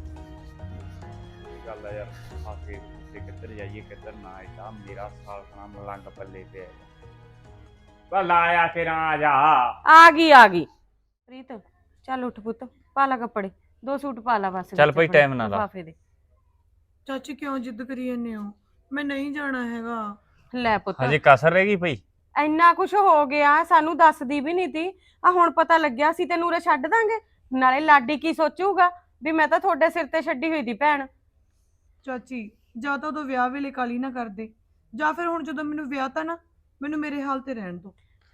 [SPEAKER 5] ਇਹ ਗੱਲ ਆ ਯਾਰ, ਆਗੇ ਕਿੱਥੇ ਕਿੱਧਰ ਜਾਈਏ ਕਿੱਧਰ ਨਾ। ਇਹਦਾ ਮੇਰਾ ਸਾਲ ਖਾਣਾ ਮਲੰਗ ਪੱਲੇ ਪਿਆ। ਬਸ ਲਾਇਆ ਤੇਰਾ ਆ ਜਾ।
[SPEAKER 6] ਆ ਗਈ ਆ ਗਈ ਪ੍ਰੀਤ, ਚੱਲ ਉੱਠ ਪੁੱਤ, ਪਾ ਲਾ ਕੱਪੜੇ, ਦੋ ਸੂਟ ਪਾ ਲਾ ਬਸ।
[SPEAKER 5] ਚੱਲ
[SPEAKER 6] ਵਿੱਚ
[SPEAKER 5] ਭਾਈ,
[SPEAKER 6] ਆਪਣੇ
[SPEAKER 5] time ਨਾ ਲਾ।
[SPEAKER 6] ਲਿਫਾਫੇ ਦੇ।
[SPEAKER 2] ਚਾਚੀ ਕਿਉਂ ਜਿੱਦ ਕਰੀ ਜਾਂਦੇ ਹੋ? ਮੈਂ ਨਹੀਂ ਜਾਣਾ ਹੈਗਾ।
[SPEAKER 6] ਲੈ ਪੁੱਤ,
[SPEAKER 5] ਹਜੇ ਕਸਰ ਰਹਿ ਗਈ ਭਈ।
[SPEAKER 6] ਇੰਨਾ ਕੁਛ ਹੋ ਗਿਆ, ਸਾਨੂੰ ਦੱਸਦੀ ਵੀ ਨਹੀਂ ਤੀ। ਆ ਹੁਣ ਪਤਾ ਲੱਗਿਆ, ਸੀ ਤੈਨੂੰ ਉਰੇ ਛੱਡ ਦਾਂਗੇ। ਨਾਲੇ ਲਾਡੀ ਕੀ ਸੋਚੂਗਾ ਵੀ ਮੈਂ ਤਾਂ ਤੁਹਾਡੇ ਸਿਰ ਤੇ ਛੱਡੀ ਹੋਈ ਦੀ ਭੈਣ।
[SPEAKER 2] ਚਾਚੀ ਜਾਂ ਤਾਂ ਉਦੋਂ ਵਿਆਹ ਵੇਲੇ ਕਾਲੀ ਨਾ ਕਰਦੇ, ਜਾਂ ਫਿਰ ਹੁਣ ਜਦੋਂ ਮੈਨੂੰ ਵਿਆਹ ਤਾਂ ਨਾ, ਮੈਨੂੰ ਮੇਰੇ ਹਾਲ ਤੇ ਰਹਿਣ ਦਿਓ।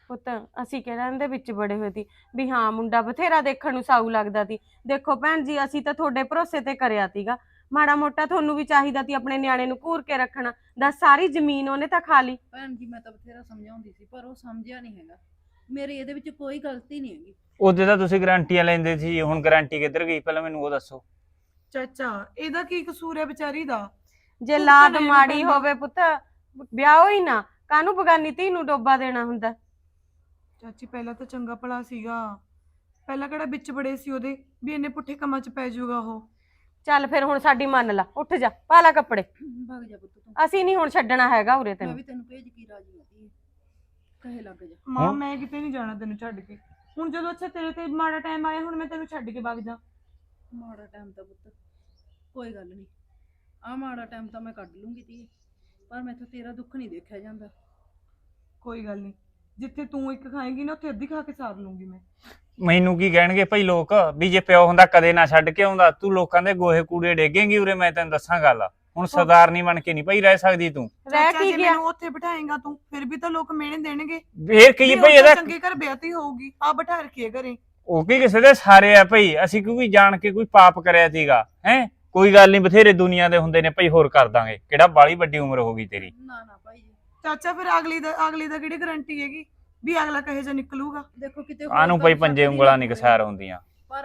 [SPEAKER 6] ਪੁੱਤ ਅਸੀਂ ਕਿਹੜਾ ਇਹਦੇ ਵਿੱਚ ਬੜੇ ਹੋਏ ਸੀ ਵੀ ਹਾਂ ਮੁੰਡਾ ਬਥੇਰਾ ਦੇਖਣ ਨੂੰ ਸਾਊ ਲੱਗਦਾ ਸੀ। ਦੇਖੋ ਭੈਣ ਜੀ ਅਸੀਂ ਤਾਂ ਤੁਹਾਡੇ ਭਰੋਸੇ ਤੇ ਕਰਿਆ ਸੀਗਾ, ਮਾੜਾ ਮੋਟਾ ਤੁਹਾਨੂੰ ਵੀ ਚਾਹੀਦਾ ਸੀ ਆਪਣੇ ਨਿਆਣੇ ਨੂੰ ਘੂਰ ਕੇ ਰੱਖਣਾ। ਦੱਸ ਸਾਰੀ ਜ਼ਮੀਨ ਉਹਨੇ ਤਾਂ ਖਾ ਲਈ।
[SPEAKER 1] ਭੈਣ ਜੀ ਮੈਂ ਤਾਂ ਬਥੇਰਾ ਸਮਝਾਉਂਦੀ ਸੀ ਪਰ ਉਹ ਸਮਝਿਆ ਨਹੀਂ ਹੈਗਾ। ਮੇਰੀ ਇਹਦੇ ਵਿੱਚ ਕੋਈ ਗਲਤੀ ਨਹੀਂ ਹੈਗੀ।
[SPEAKER 5] ਉਹਦੇ ਤਾਂ ਤੁਸੀਂ ਗਾਰੰਟੀਆਂ ਲੈਂਦੇ ਸੀ, ਹੁਣ ਗਾਰੰਟੀ ਕਿੱਧਰ ਗਈ ਪਹਿਲਾਂ ਮੈਨੂੰ ਉਹ ਦੱਸੋ।
[SPEAKER 2] ਚਾਚਾ ਇਹਦਾ ਕੀ ਕਸੂਰ ਹੈ ਵਿਚਾਰੀ ਦਾ?
[SPEAKER 6] ਜੇ
[SPEAKER 2] ਤੂੰ
[SPEAKER 6] ਲਾਦ
[SPEAKER 2] ਤਾਂ ਲੈਣਾ
[SPEAKER 6] ਮਾੜੀ
[SPEAKER 2] ਪੈਂਦਾ।
[SPEAKER 6] ਹੋਵੇ ਪੁੱਤ ਵਿਆਹ ਹੀ ਨਾ, ਕਾਹਨੂੰ ਬਗਾਨੀ ਧੀ ਨੂੰ ਡੋਬਾ ਦੇਣਾ ਹੁੰਦਾ।
[SPEAKER 2] ਚਾਚੀ ਪਹਿਲਾਂ ਤਾਂ ਚੰਗਾ ਭਲਾ ਸੀਗਾ, ਪਹਿਲਾਂ ਕਿਹੜਾ ਵਿੱਚ ਬੜੇ ਸੀ ਉਹਦੇ ਵੀ ਇੰਨੇ ਪੁੱਠੇ ਕੰਮਾਂ 'ਚ ਪੈ ਜਾਊਗਾ ਉਹ।
[SPEAKER 6] ਚੱਲ ਫਿਰ ਹੁਣ ਸਾਡੀ ਮੰਨ ਲਾ, ਉੱਠ ਜਾ ਪਾ ਲਾ ਕੱਪੜੇ।
[SPEAKER 1] ਭੱਗ ਜਾ ਪੁੱਤ ਤੂੰ,
[SPEAKER 6] ਅਸੀਂ ਨਹੀਂ ਹੁਣ ਛੱਡਣਾ ਹੈਗਾ ਉਰੇ
[SPEAKER 1] ਮੈਂ
[SPEAKER 6] ਤੈਨੂੰ।
[SPEAKER 1] ਵੀ ਤੈਨੂੰ ਭੇਜ ਕੀ ਰਾਜੀ ਆਤੀ ਕਹੇ ਲੱਗ ਜਾ।
[SPEAKER 2] ਮਾਂ
[SPEAKER 5] ਹਾਂ।
[SPEAKER 2] ਮੈਂ ਕਿਤੇ ਨਹੀਂ ਜਾਣਾ ਤੈਨੂੰ ਛੱਡ ਕੇ। ਹੁਣ ਜਦੋਂ ਅੱਛਾ ਤੇਰੇ ਤੇ ਮਾੜਾ ਟਾਈਮ ਆਇਆ, ਹੁਣ ਮੈਂ ਤੈਨੂੰ ਛੱਡ ਕੇ ਵਗ ਜਾ।
[SPEAKER 1] ਮਾੜਾ ਟਾਈਮ ਤਾਂ ਪੁੱਤ ਕੋਈ ਗੱਲ ਨਹੀਂ, ਆ ਮਾੜਾ ਟਾਈਮ ਤਾਂ ਮੈਂ ਕੱਢ ਲੂੰਗੀ ਤੀ, ਪਰ ਮੈਥੋਂ ਤੇਰਾ ਦੁੱਖ ਨਹੀਂ ਦੇਖਿਆ ਜਾਂਦਾ।
[SPEAKER 2] ਕੋਈ ਗੱਲ ਨਹੀਂ, ਜਿੱਥੇ ਤੂੰ ਇੱਕ ਖਾਏਂਗੀ ਨਾ ਉੱਥੇ ਅੱਧੀ ਖਾ ਕੇ ਸਾਰ ਲੂੰਗੀ ਮੈਂ।
[SPEAKER 5] ਮੈਨੂੰ ਕੀ ਕਹਿਣਗੇ ਭਾਈ ਲੋਕ ਵੀ ਜੇ ਪਿਓ ਹੁੰਦਾ ਕਦੇ ਨਾ ਛੱਡ ਕੇ ਆਉਂਦਾ, ਤੂੰ ਲੋਕਾਂ ਦੇ ਗੋਹੇ ਕੂੜੇ ਡੇਗੇਂਗੀ ਉਰੇ। ਮੈਂ ਤੈਨੂੰ ਦੱਸਾਂ ਗੱਲ, ਹੁਣ ਸਰਦਾਰਨੀ ਬਣ ਕੇ ਨਹੀਂ ਭਾਈ ਰਹਿ ਸਕਦੀ ਤੂੰ।
[SPEAKER 6] ਰਹਿ
[SPEAKER 2] ਚਾਚਾ,
[SPEAKER 6] ਕੀ
[SPEAKER 2] ਜੇ
[SPEAKER 6] ਗਿਆ?
[SPEAKER 2] ਮੈਨੂੰ ਉੱਥੇ ਬਿਠਾਏਂਗਾ ਤੂੰ ਫਿਰ ਵੀ ਤਾਂ ਲੋਕ ਮਿਹਣੇ ਦੇਣਗੇ।
[SPEAKER 5] ਫੇਰ ਕੀ
[SPEAKER 2] ਵੀ
[SPEAKER 5] ਭਾਈ
[SPEAKER 2] ਉਹ ਤਾਂ
[SPEAKER 5] ਇਹਦਾ
[SPEAKER 2] ਚੰਗੇ ਘਰ ਵਿਆਹਤੀ ਹੋਊਗੀ, ਆ ਬਿਠਾ ਰੱਖੀਏ ਘਰੇ।
[SPEAKER 5] ਉਹ ਕੀ ਕਿਸੇ ਦੇ ਸਾਰੇ ਆ ਭਾਈ, ਅਸੀਂ ਕਿਉਂਕਿ ਜਾਣ ਕੇ ਕੋਈ ਪਾਪ ਕਰਿਆ ਸੀਗਾ ਹੈ? ਕੋਈ ਗੱਲ ਨਹੀਂ, ਬਥੇਰੇ ਦੁਨੀਆ ਦੇ ਹੁੰਦੇ ਨੇ ਭਾਈ, ਹੋਰ ਕਰ ਦਾਂਗੇ। ਕਿਹੜਾ ਬਾਲੀ ਵੱਡੀ ਉਮਰ ਹੋ ਗਈ ਤੇਰੀ।
[SPEAKER 1] ਨਾ ਨਾ ਭਾਈ ਜੀ,
[SPEAKER 2] ਚਾਚਾ ਫਿਰ ਅਗਲੀ ਦਾ ਅਗਲੀ ਦਾ ਕਿਹੜੀ ਗਾਰੰਟੀ ਹੈਗੀ ਵੀ ਅਗਲਾ ਕਹੇ ਜਾ ਨਿਕਲੂਗਾ?
[SPEAKER 1] ਦੇਖੋ ਕਿਤੇ
[SPEAKER 5] ਆਨੂੰ ਭਾਈ ਪੰਜੇ ਉਂਗਲਾਂ ਨਹੀਂ ਕਸਾਰ ਹੁੰਦੀਆਂ।
[SPEAKER 1] ਪਰ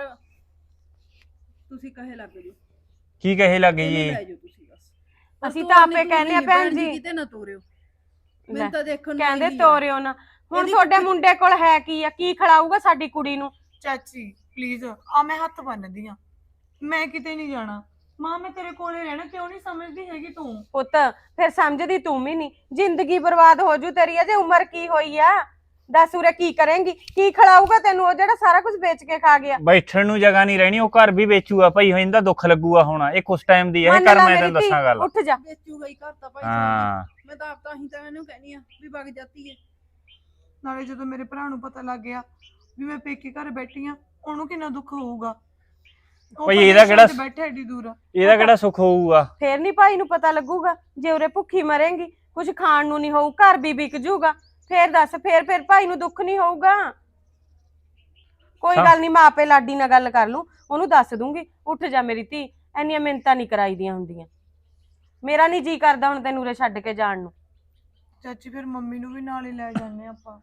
[SPEAKER 1] ਤੁਸੀਂ ਕਹੇ ਲੱਗ ਜਾਓ,
[SPEAKER 5] ਕੀ ਕਹੇ ਲੱਗੇ
[SPEAKER 1] ਇਹਨੂੰ
[SPEAKER 5] ਜੀ?
[SPEAKER 1] ਲੈ ਜਾਓ ਤੁਸੀਂ ਬਸ। ਪਰ
[SPEAKER 6] ਅਸੀਂ
[SPEAKER 1] ਤੋਰਨੀ
[SPEAKER 6] ਤਾਂ ਆਪੇ
[SPEAKER 1] ਤੁਰਨੀ
[SPEAKER 6] ਕਹਿੰਦੇ ਆ
[SPEAKER 1] ਨੀ
[SPEAKER 6] ਭੈਣ ਜੀ।
[SPEAKER 1] ਕਿਤੇ ਨਾ ਤੋਰਿਓ,
[SPEAKER 6] ਲੈ,
[SPEAKER 1] ਮੈਨੂੰ ਤਾਂ ਦੇਖਣ ਨੂੰ
[SPEAKER 6] ਕਹਿੰਦੇ
[SPEAKER 1] ਇਹੀ ਆ।
[SPEAKER 6] ਤੋਰਿਓ ਨਾ। ਹੁਣ
[SPEAKER 1] ਇਹਦੀ
[SPEAKER 6] ਤੁਹਾਡੇ
[SPEAKER 1] ਕੁੱਤੀ-
[SPEAKER 6] ਮੁੰਡੇ ਕੋਲ ਹੈ ਕੀ ਆ? ਕੀ ਖਿਲਾਊਗਾ ਸਾਡੀ ਕੁੜੀ ਨੂੰ?
[SPEAKER 2] ਚਾਚੀ ਪਲੀਜ਼ ਆ, ਮੈਂ ਹੱਥ ਬੰਨਦੀ ਆ, ਮੈਂ ਕਿਤੇ ਨਹੀਂ ਜਾਣਾ। ਮਾਂ ਮੈਂ ਤੇਰੇ ਕੋਲੇ ਰਹਿਣਾ, ਕਿਉਂ ਨਹੀਂ ਸਮਝਦੀ ਹੈਗੀ ਤੂੰ?
[SPEAKER 6] ਪੁੱਤ ਫਿਰ ਸਮਝਦੀ ਤੂੰ ਵੀ ਨਹੀਂ, ਜ਼ਿੰਦਗੀ ਬਰਬਾਦ ਹੋ ਜੂ ਤੇਰੀ। ਅਜੇ ਉਮਰ ਕੀ ਹੋਈ ਆ? ਦੱਸ ਉਰੇ ਕੀ ਕਰੇਂਗੀ? ਕੀ ਖਿਲਾਊਗਾ ਤੈਨੂੰ ਉਹ ਜਿਹੜਾ ਸਾਰਾ ਕੁਝ ਵੇਚ ਕੇ ਖਾ ਗਿਆ?
[SPEAKER 5] ਬੈਠਣ ਨੂੰ ਜਗ੍ਹਾ ਨਹੀਂ ਰਹਿਣੀ, ਉਹ ਘਰ ਵੀ ਵੇਚੂਗਾ ਭਾਈ। ਇਹਦਾ ਦੁੱਖ ਲੱਗੂਗਾ ਹੁਣ, ਇਹ ਕੁਛ ਟਾਈਮ ਦੀ ਹੈ
[SPEAKER 6] ਮੰਨ
[SPEAKER 5] ਕਰ।
[SPEAKER 6] ਲਾ
[SPEAKER 5] ਮੈਂ
[SPEAKER 6] ਮੇਰੀ
[SPEAKER 5] ਤੈਨੂੰ
[SPEAKER 6] ਧੀ,
[SPEAKER 5] ਦੱਸਾਂ ਗੱਲ।
[SPEAKER 6] ਉੱਠ ਜਾ।
[SPEAKER 1] ਵੇਚੂਗਾ ਹੀ ਘਰ ਤਾਂ ਭਾਈ
[SPEAKER 5] ਹਾਂ
[SPEAKER 1] ਸਾਹਿਬ। ਮੈਂ ਤਾਂ ਆਪ ਤਾਂ ਹੀ ਤਾਂ ਇਹਨੂੰ ਕਹਿਨੀ ਆ ਵੀ ਵਗ ਜਾਤੀ ਹੈ।
[SPEAKER 2] ਨਾਲੇ ਜਦੋਂ ਮੇਰੇ ਭਰਾ ਨੂੰ ਪਤਾ ਲੱਗ ਗਿਆ ਵੀ ਮੈਂ ਪੇਕੇ ਘਰ ਬੈਠੀ ਆ, ਉਹਨੂੰ ਕਿੰਨਾ ਦੁੱਖ ਹੋਊਗਾ। ਉਹ
[SPEAKER 5] ਭਾਈ
[SPEAKER 2] ਪਰਦੇਸਾਂ
[SPEAKER 5] ਇਹਦਾ ਕਿਹੜਾ-
[SPEAKER 2] ਚ ਬੈਠਾ ਏਡੀ ਦੂਰ।
[SPEAKER 5] ਇਹਦਾ ਕਿਹੜਾ ਸੁੱਖ ਹੋਊਗਾ?
[SPEAKER 6] ਫੇਰ ਨਹੀਂ ਭਾਈ ਨੂੰ ਪਤਾ ਲੱਗੂਗਾ। ਜੇ ਉਰੇ ਭੁੱਖੀ ਮਰੇਂਗੀ, ਕੁਝ ਖਾਣ ਨੂੰ ਨਹੀਂ ਹੋਊ, ਘਰ ਵੀ ਵਿਕ ਜੂਗਾ, ਫੇਰ ਦੱਸ ਫੇਰ ਫੇਰ ਭਾਈ ਨੂੰ ਦੁੱਖ ਨਹੀਂ ਹੋਊਗਾ? ਕੋਈ
[SPEAKER 5] ਸਮ-
[SPEAKER 6] ਗੱਲ ਨਹੀਂ, ਮੈਂ ਆਪੇ ਲਾਡੀ ਨਾਲ ਗੱਲ ਕਰ ਲੂੰ, ਉਹਨੂੰ ਦੱਸ ਦੂੰਗੀ। ਉੱਠ ਜਾ ਮੇਰੀ ਧੀ, ਇੰਨੀਆਂ ਮਿੰਨਤਾਂ ਨਹੀਂ ਕਰਾਈਦੀਆਂ ਹੁੰਦੀਆਂ। ਮੇਰਾ ਨਹੀਂ ਜੀ ਕਰਦਾ ਹੁਣ ਤੈਨੂੰ ਉਰੇ ਛੱਡ ਕੇ ਜਾਣ ਨੂੰ।
[SPEAKER 2] ਚਾਚੀ ਫਿਰ ਮੰਮੀ ਨੂੰ ਵੀ ਨਾਲ ਹੀ ਲੈ ਜਾਂਦੇ ਆਪਾਂ।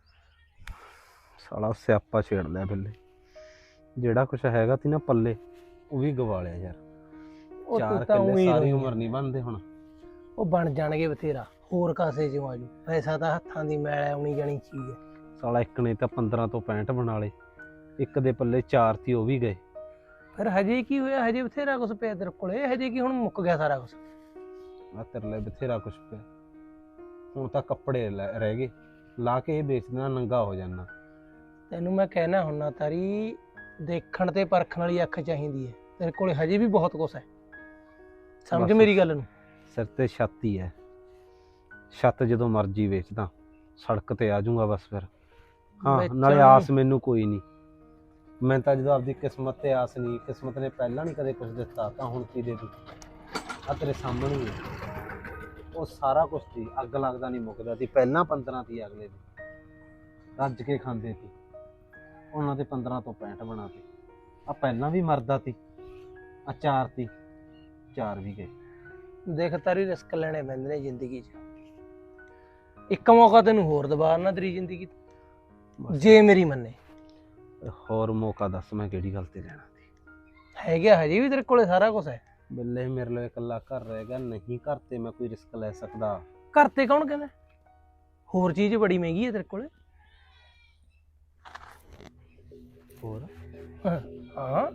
[SPEAKER 4] ਸਾਲਾ ਸਿਆਪਾ ਛੇੜ ਲਿਆ ਬਿੱਲੇ। ਜਿਹੜਾ ਕੁਛ ਹੈਗਾ ਤੀ ਨਾ ਪੱਲੇ, ਉਹ ਵੀ ਗਵਾ ਲਿਆ ਯਾਰ।
[SPEAKER 3] ਉਹ
[SPEAKER 4] ਚਾਰ
[SPEAKER 3] ਤੂੰ ਤਾਂ
[SPEAKER 4] ਕਿੱਲੇ
[SPEAKER 3] ਉਹੀ
[SPEAKER 4] ਸਾਰੀ
[SPEAKER 3] ਰੋਈ
[SPEAKER 4] ਉਮਰ ਨਹੀਂ ਬਣਦੇ ਹੁਣ।
[SPEAKER 3] ਉਹ ਬਣ ਜਾਣਗੇ ਬਥੇਰਾ, ਹੋਰ ਕਾਸੇ ਚੋਂ ਆਜੂ। ਪੈਸਾ ਤਾਂ ਹੱਥਾਂ ਦੀ ਮੈਲ ਆਉਣੀ ਜਾਣੀ ਚੀਜ਼ ਹੈ।
[SPEAKER 4] ਸਾਲਾ ਇੱਕ ਨੇ ਤਾਂ ਪੰਦਰਾਂ ਤੋਂ ਪੈਂਹਠ ਬਣਾ ਲਏ, ਇੱਕ ਦੇ ਪੱਲੇ ਚਾਰ ਤੀ, ਉਹ ਵੀ ਗਏ।
[SPEAKER 3] ਫਿਰ ਹਜੇ ਕੀ ਹੋਇਆ? ਹਜੇ ਬਥੇਰਾ ਕੁਛ ਪਿਆ ਤੇਰੇ ਕੋਲੇ। ਹਜੇ ਕੀ ਹੁਣ ਮੁੱਕ ਗਿਆ ਸਾਰਾ ਕੁਛ?
[SPEAKER 4] ਆ ਤੇਰੇ ਲਈ ਬਥੇਰਾ ਕੁਛ ਪਿਆ। ਹੁਣ ਤਾਂ ਕੱਪੜੇ ਲੈ- ਰਹਿ ਗਏ, ਲਾ ਕੇ ਇਹ ਵੇਚ ਦੇਣਾ, ਨੰਗਾ ਹੋ ਜਾਣਾ।
[SPEAKER 3] ਤੈਨੂੰ ਮੈਂ ਕਹਿਣਾ ਹੁੰਨਾ ਤਾਰੀ, ਦੇਖਣ ਤੇ ਪਰਖਣ ਵਾਲੀ ਅੱਖ ਚਾਹੀਦੀ ਹੈ। ਤੇਰੇ ਕੋਲੇ ਹਜੇ ਵੀ ਬਹੁਤ ਕੁਛ ਹੈ, ਸਮਝ
[SPEAKER 4] ਬਸ।
[SPEAKER 3] ਮੇਰੀ ਗੱਲ ਨੂੰ।
[SPEAKER 4] ਸਿਰ ਤੇ ਛੱਤ ਹੀ ਹੈ, ਛੱਤ ਜਦੋਂ ਮਰਜੀ ਵੇਚਦਾ, ਸੜਕ ਤੇ ਆ ਜਾਊਂਗਾ ਬਸ ਫਿਰ। ਹਾਂ
[SPEAKER 3] ਵੇਚਣ
[SPEAKER 4] ਨਾਲੇ
[SPEAKER 3] ਨੂੰ-
[SPEAKER 4] ਆਸ ਮੈਨੂੰ ਕੋਈ ਨਹੀਂ। ਮੈਂ ਤਾਂ ਜਦੋਂ ਆਪਦੀ ਕਿਸਮਤ ਤੇ ਆਸ ਨਹੀਂ, ਕਿਸਮਤ ਨੇ ਪਹਿਲਾਂ ਨਹੀਂ ਕਦੇ ਕੁਝ ਦਿੱਤਾ, ਤਾਂ ਹੁਣ ਕੀ ਦੇ ਦੂ? ਆ ਤੇਰੇ ਸਾਹਮਣੇ ਹੀ ਹੈ। ਉਹ ਸਾਰਾ ਕੁਝ ਸੀ, ਅੱਗ ਲੱਗਦਾ ਨਹੀਂ ਮੁੱਕਦਾ ਸੀ। ਪਹਿਲਾਂ ਪੰਦਰਾਂ ਤੀ ਅਗਲੇ ਦੀ ਰੱਜ ਕੇ ਖਾਂਦੇ ਸੀ, ਉਹਨਾਂ ਦੇ ਪੰਦਰਾਂ ਤੋਂ ਪੈਂਹਠ ਬਣਾ ਤੇ। ਆ ਪਹਿਲਾਂ ਵੀ ਮਰਦਾ ਸੀ, ਆ ਚਾਰ ਤੀ, ਚਾਰ ਵੀ ਗਏ।
[SPEAKER 3] ਦੇਖ ਤਾਰੀ, ਰਿਸਕ ਲੈਣੇ ਪੈਂਦੇ ਨੇ ਜ਼ਿੰਦਗੀ 'ਚ। ਇੱਕ ਮੌਕਾ ਤੈਨੂੰ ਹੋਰ ਦਵਾ ਨਾ ਤੇਰੀ ਜ਼ਿੰਦਗੀ 'ਚ,
[SPEAKER 4] ਬਸ।
[SPEAKER 3] ਜੇ ਮੇਰੀ ਮੰਨੇ।
[SPEAKER 4] ਹੋਰ ਮੌਕਾ ਦੱਸ, ਮੈਂ ਕਿਹੜੀ ਗੱਲ ਤੇ ਲੈਣਾ ਸੀ?
[SPEAKER 3] ਹੈਗਾ ਹਜੇ ਵੀ ਤੇਰੇ ਕੋਲੇ ਸਾਰਾ ਕੁਝ ਹੈ।
[SPEAKER 4] ਬਿੱਲੇ ਮੇਰੇ ਲਈ ਇਕੱਲਾ ਘਰ ਰਹਿ ਗਿਆ, ਨਹੀਂ ਘਰ ਤੇ ਮੈਂ ਕੋਈ ਰਿਸਕ ਲੈ ਸਕਦਾ।
[SPEAKER 3] ਘਰ ਤੇ ਕੌਣ ਕਹਿੰਦਾ? ਹੋਰ ਚੀਜ਼ ਬੜੀ ਮਹਿੰਗੀ ਹੈ ਤੇਰੇ ਕੋਲੇ।
[SPEAKER 4] ਹੋਰ
[SPEAKER 3] ਹਾਂ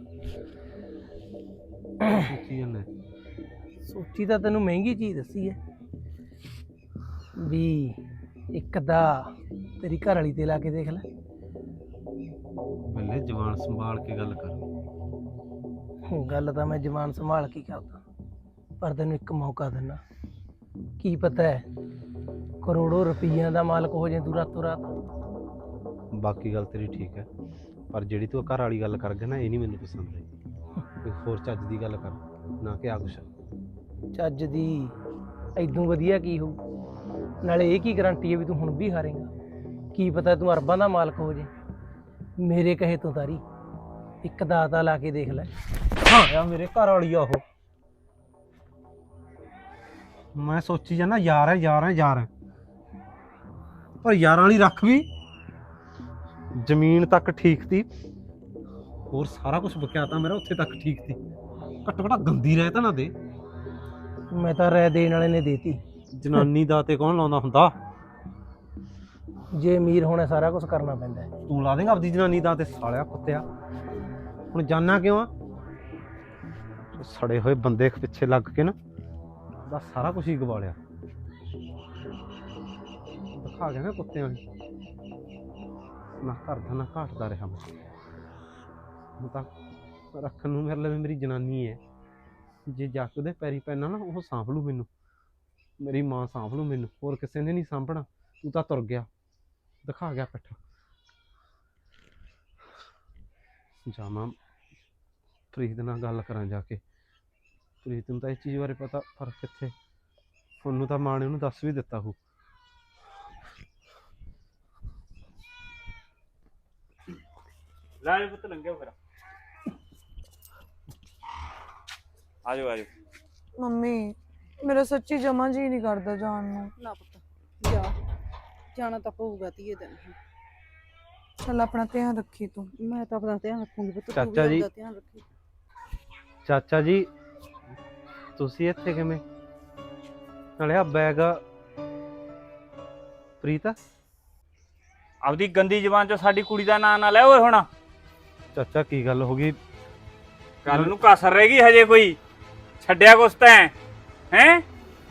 [SPEAKER 4] ਕੀ ਨੇ
[SPEAKER 3] ਸੋਚੀ ਤਾਂ ਤੈਨੂੰ ਮਹਿੰਗੀ ਚੀਜ਼ ਦੱਸੀ ਹੈ ਵੀ। ਇੱਕ ਦਾ ਤੇਰੀ ਘਰ ਵਾਲੀ ਤੇ ਲਾ ਕੇ ਦੇਖ ਲੈ।
[SPEAKER 4] ਬਿੱਲੇ ਜਵਾਨ ਸੰਭਾਲ ਕੇ ਗੱਲ ਕਰ।
[SPEAKER 3] ਗੱਲ ਤਾਂ ਮੈਂ ਜ਼ਬਾਨ ਸੰਭਾਲ ਕੇ ਕਰਦਾ, ਪਰ ਤੈਨੂੰ ਇੱਕ ਮੌਕਾ ਦਿੰਦਾ। ਕੀ ਪਤਾ ਹੈ ਕਰੋੜੋ ਰੁਪਈਆਂ ਦਾ ਮਾਲਕ ਹੋ ਜਾਏ ਤੂੰ ਰਾਤੋਂ ਰਾਤ।
[SPEAKER 4] ਬਾਕੀ ਗੱਲ ਤੇਰੀ ਠੀਕ ਹੈ, ਪਰ ਜਿਹੜੀ ਤੂੰ ਘਰ ਵਾਲੀ ਗੱਲ ਕਰ ਗਿਆ ਨਾ, ਇਹ ਨਹੀਂ ਮੈਨੂੰ ਪਸੰਦ ਆਈ। ਕੋਈ ਹੋਰ ਚੱਜ ਦੀ ਗੱਲ ਕਰ, ਨਾ ਕਿ ਆ ਕੁਛ।
[SPEAKER 3] ਚੱਜ ਦੀ ਐਦੋਂ ਵਧੀਆ ਕੀ ਹੋਊ? ਨਾਲੇ ਇਹ ਕੀ ਗਾਰੰਟੀ ਹੈ ਵੀ ਤੂੰ ਹੁਣ ਵੀ ਹਾਰੇਂਗਾ? ਕੀ ਪਤਾ ਤੂੰ ਅਰਬਾਂ ਦਾ ਮਾਲਕ ਹੋ ਜੇ। ਮੇਰੇ ਕਹੇ ਤੋਂ ਤਾਰੀ ਇੱਕ ਦਾਤਾ ਲਾ ਕੇ ਦੇਖ ਲੈ।
[SPEAKER 4] ਹਾਂ ਯਾਰ ਮੇਰੇ ਘਰ ਵਾਲੀ ਆ ਉਹ। ਮੈਂ ਸੋਚੀ ਜਾਂਦਾ ਯਾਰ ਹੈ ਯਾਰ ਹੈ ਯਾਰ ਹੈ, ਪਰ ਯਾਰਾਂ ਵਾਲੀ ਰੱਖ ਵੀ ਜ਼ਮੀਨ ਤੱਕ ਠੀਕ ਤੀ, ਹੋਰ ਸਾਰਾ ਕੁਝ ਬਕਿਆਤਾ ਮੇਰਾ ਉੱਥੇ ਤੱਕ ਠੀਕ ਤੀ। ਘੱਟੋ ਘੱਟ ਗੰਦੀ ਰਹਿ ਤਾਂ ਨਾ ਦੇ।
[SPEAKER 3] ਮੈਂ ਤਾਂ ਰਹਿ ਦੇਣ ਵਾਲੇ ਨੇ ਦੇਤੀ।
[SPEAKER 4] ਜਨਾਨੀ ਦਾ ਤੇ ਕੌਣ ਲਾਉਂਦਾ ਹੁੰਦਾ?
[SPEAKER 3] ਜੇ ਅਮੀਰ ਹੋਣਾ ਸਾਰਾ ਕੁਝ ਕਰਨਾ ਪੈਂਦਾ ਹੈ।
[SPEAKER 4] ਤੂੰ ਲਾ ਦੇਂਗਾ ਆਪਦੀ ਜਨਾਨੀ ਦਾ ਤੇ ਸਾਲਿਆ ਕੁੱਤਿਆ। ਹੁਣ ਜਾਨਾ ਕਿਉਂ ਆ? ਸੜੇ ਹੋਏ ਬੰਦੇ ਪਿੱਛੇ ਲੱਗ ਕੇ ਨਾ ਦਾ ਸਾਰਾ ਕੁਝ ਹੀ ਗਵਾ ਲਿਆ। ਦਿਖਾ ਗਿਆ ਨਾ ਕੁੱਤਿਆਂ ਨੇ, ਨਾ ਘਰ ਦਾ ਨਾ ਘਾਟ ਦਾ ਰਿਹਾ ਮੈਂ। ਹੁਣ ਤਾਂ ਰੱਖਣ ਨੂੰ ਮੇਰੇ ਲਈ ਮੇਰੀ ਜਨਾਨੀ ਹੈ। ਜੇ ਜਾ ਕੇ ਉਹਦੇ ਪੈਰੀ ਪੈਣਾ ਨਾ ਉਹ ਸਾਂਭ ਲੂ ਮੈਨੂੰ, ਮੇਰੀ ਮਾਂ ਸਾਂਭ ਲੂ ਮੈਨੂੰ, ਹੋਰ ਕਿਸੇ ਨੇ ਨਹੀਂ ਸਾਂਭਣਾ। ਤੂੰ ਤਾਂ ਤੁਰ ਗਿਆ, ਦਿਖਾ ਗਿਆ ਪਿੱਠ। ਜਾਵਾਂ ਪ੍ਰੀਤ ਨਾਲ ਗੱਲ ਕਰਾਂ ਜਾ ਕੇ। ਪ੍ਰੀਤ ਨੂੰ ਤਾਂ ਇਸ ਚੀਜ਼ ਬਾਰੇ ਪਤਾ, ਪਰ ਕਿੱਥੇ। ਉਹਨੂੰ ਤਾਂ ਮਾਂ ਨੇ ਉਹਨੂੰ ਦੱਸ ਵੀ ਦਿੱਤਾ ਹੋ।
[SPEAKER 5] ਲੈ ਪੁੱਤ ਲੰਘਿਓ ਫਿਰ। ਆਜੋ ਆਜੋ।
[SPEAKER 2] ਮੰਮੀ ਮੇਰਾ ਸੱਚੀ ਜਮਾ ਜੀ ਨਹੀਂ ਕਰਦਾ ਜਾਣ ਨੂੰ।
[SPEAKER 1] ਨਾ ਪੁੱਤ ਜਾ, ਜਾਣਾ ਤਾਂ ਪਊਗਾ ਧੀਏ ਦਿਨ।
[SPEAKER 2] ਚੱਲ ਆਪਣਾ ਧਿਆਨ ਰੱਖੀ ਤੂੰ।
[SPEAKER 1] ਮੈਂ ਤਾਂ ਆਪਣਾ ਧਿਆਨ ਰੱਖੂੰਗੀ ਪੁੱਤ, ਤੂੰ ਵੀ
[SPEAKER 4] ਚਾਚਾ ਜੀ।
[SPEAKER 1] ਆਪਦਾ ਧਿਆਨ ਰੱਖੀ।
[SPEAKER 4] ਚਾਚਾ ਜੀ ਤੁਸੀਂ ਇੱਥੇ ਕਿਵੇਂ? ਨਾਲੇ ਆ ਬੈਗ ਪ੍ਰੀਤ।
[SPEAKER 5] ਆਪਦੀ ਗੰਦੀ ਜ਼ਬਾਨ ਚੋਂ ਸਾਡੀ ਕੁੜੀ ਦਾ ਨਾਂ ਨਾ ਲੈ ਓਏ। ਹੁਣ
[SPEAKER 4] ਚਾਚਾ ਕੀ ਗੱਲ ਹੋ ਗਈ?
[SPEAKER 5] ਕੱਲ ਨੂੰ ਕਸਰ ਰਹੇਗੀ ਹਜੇ ਕੋਈ? ਛੱਡਿਆ ਕੁਛ ਤੈਂ ਹੈਂ?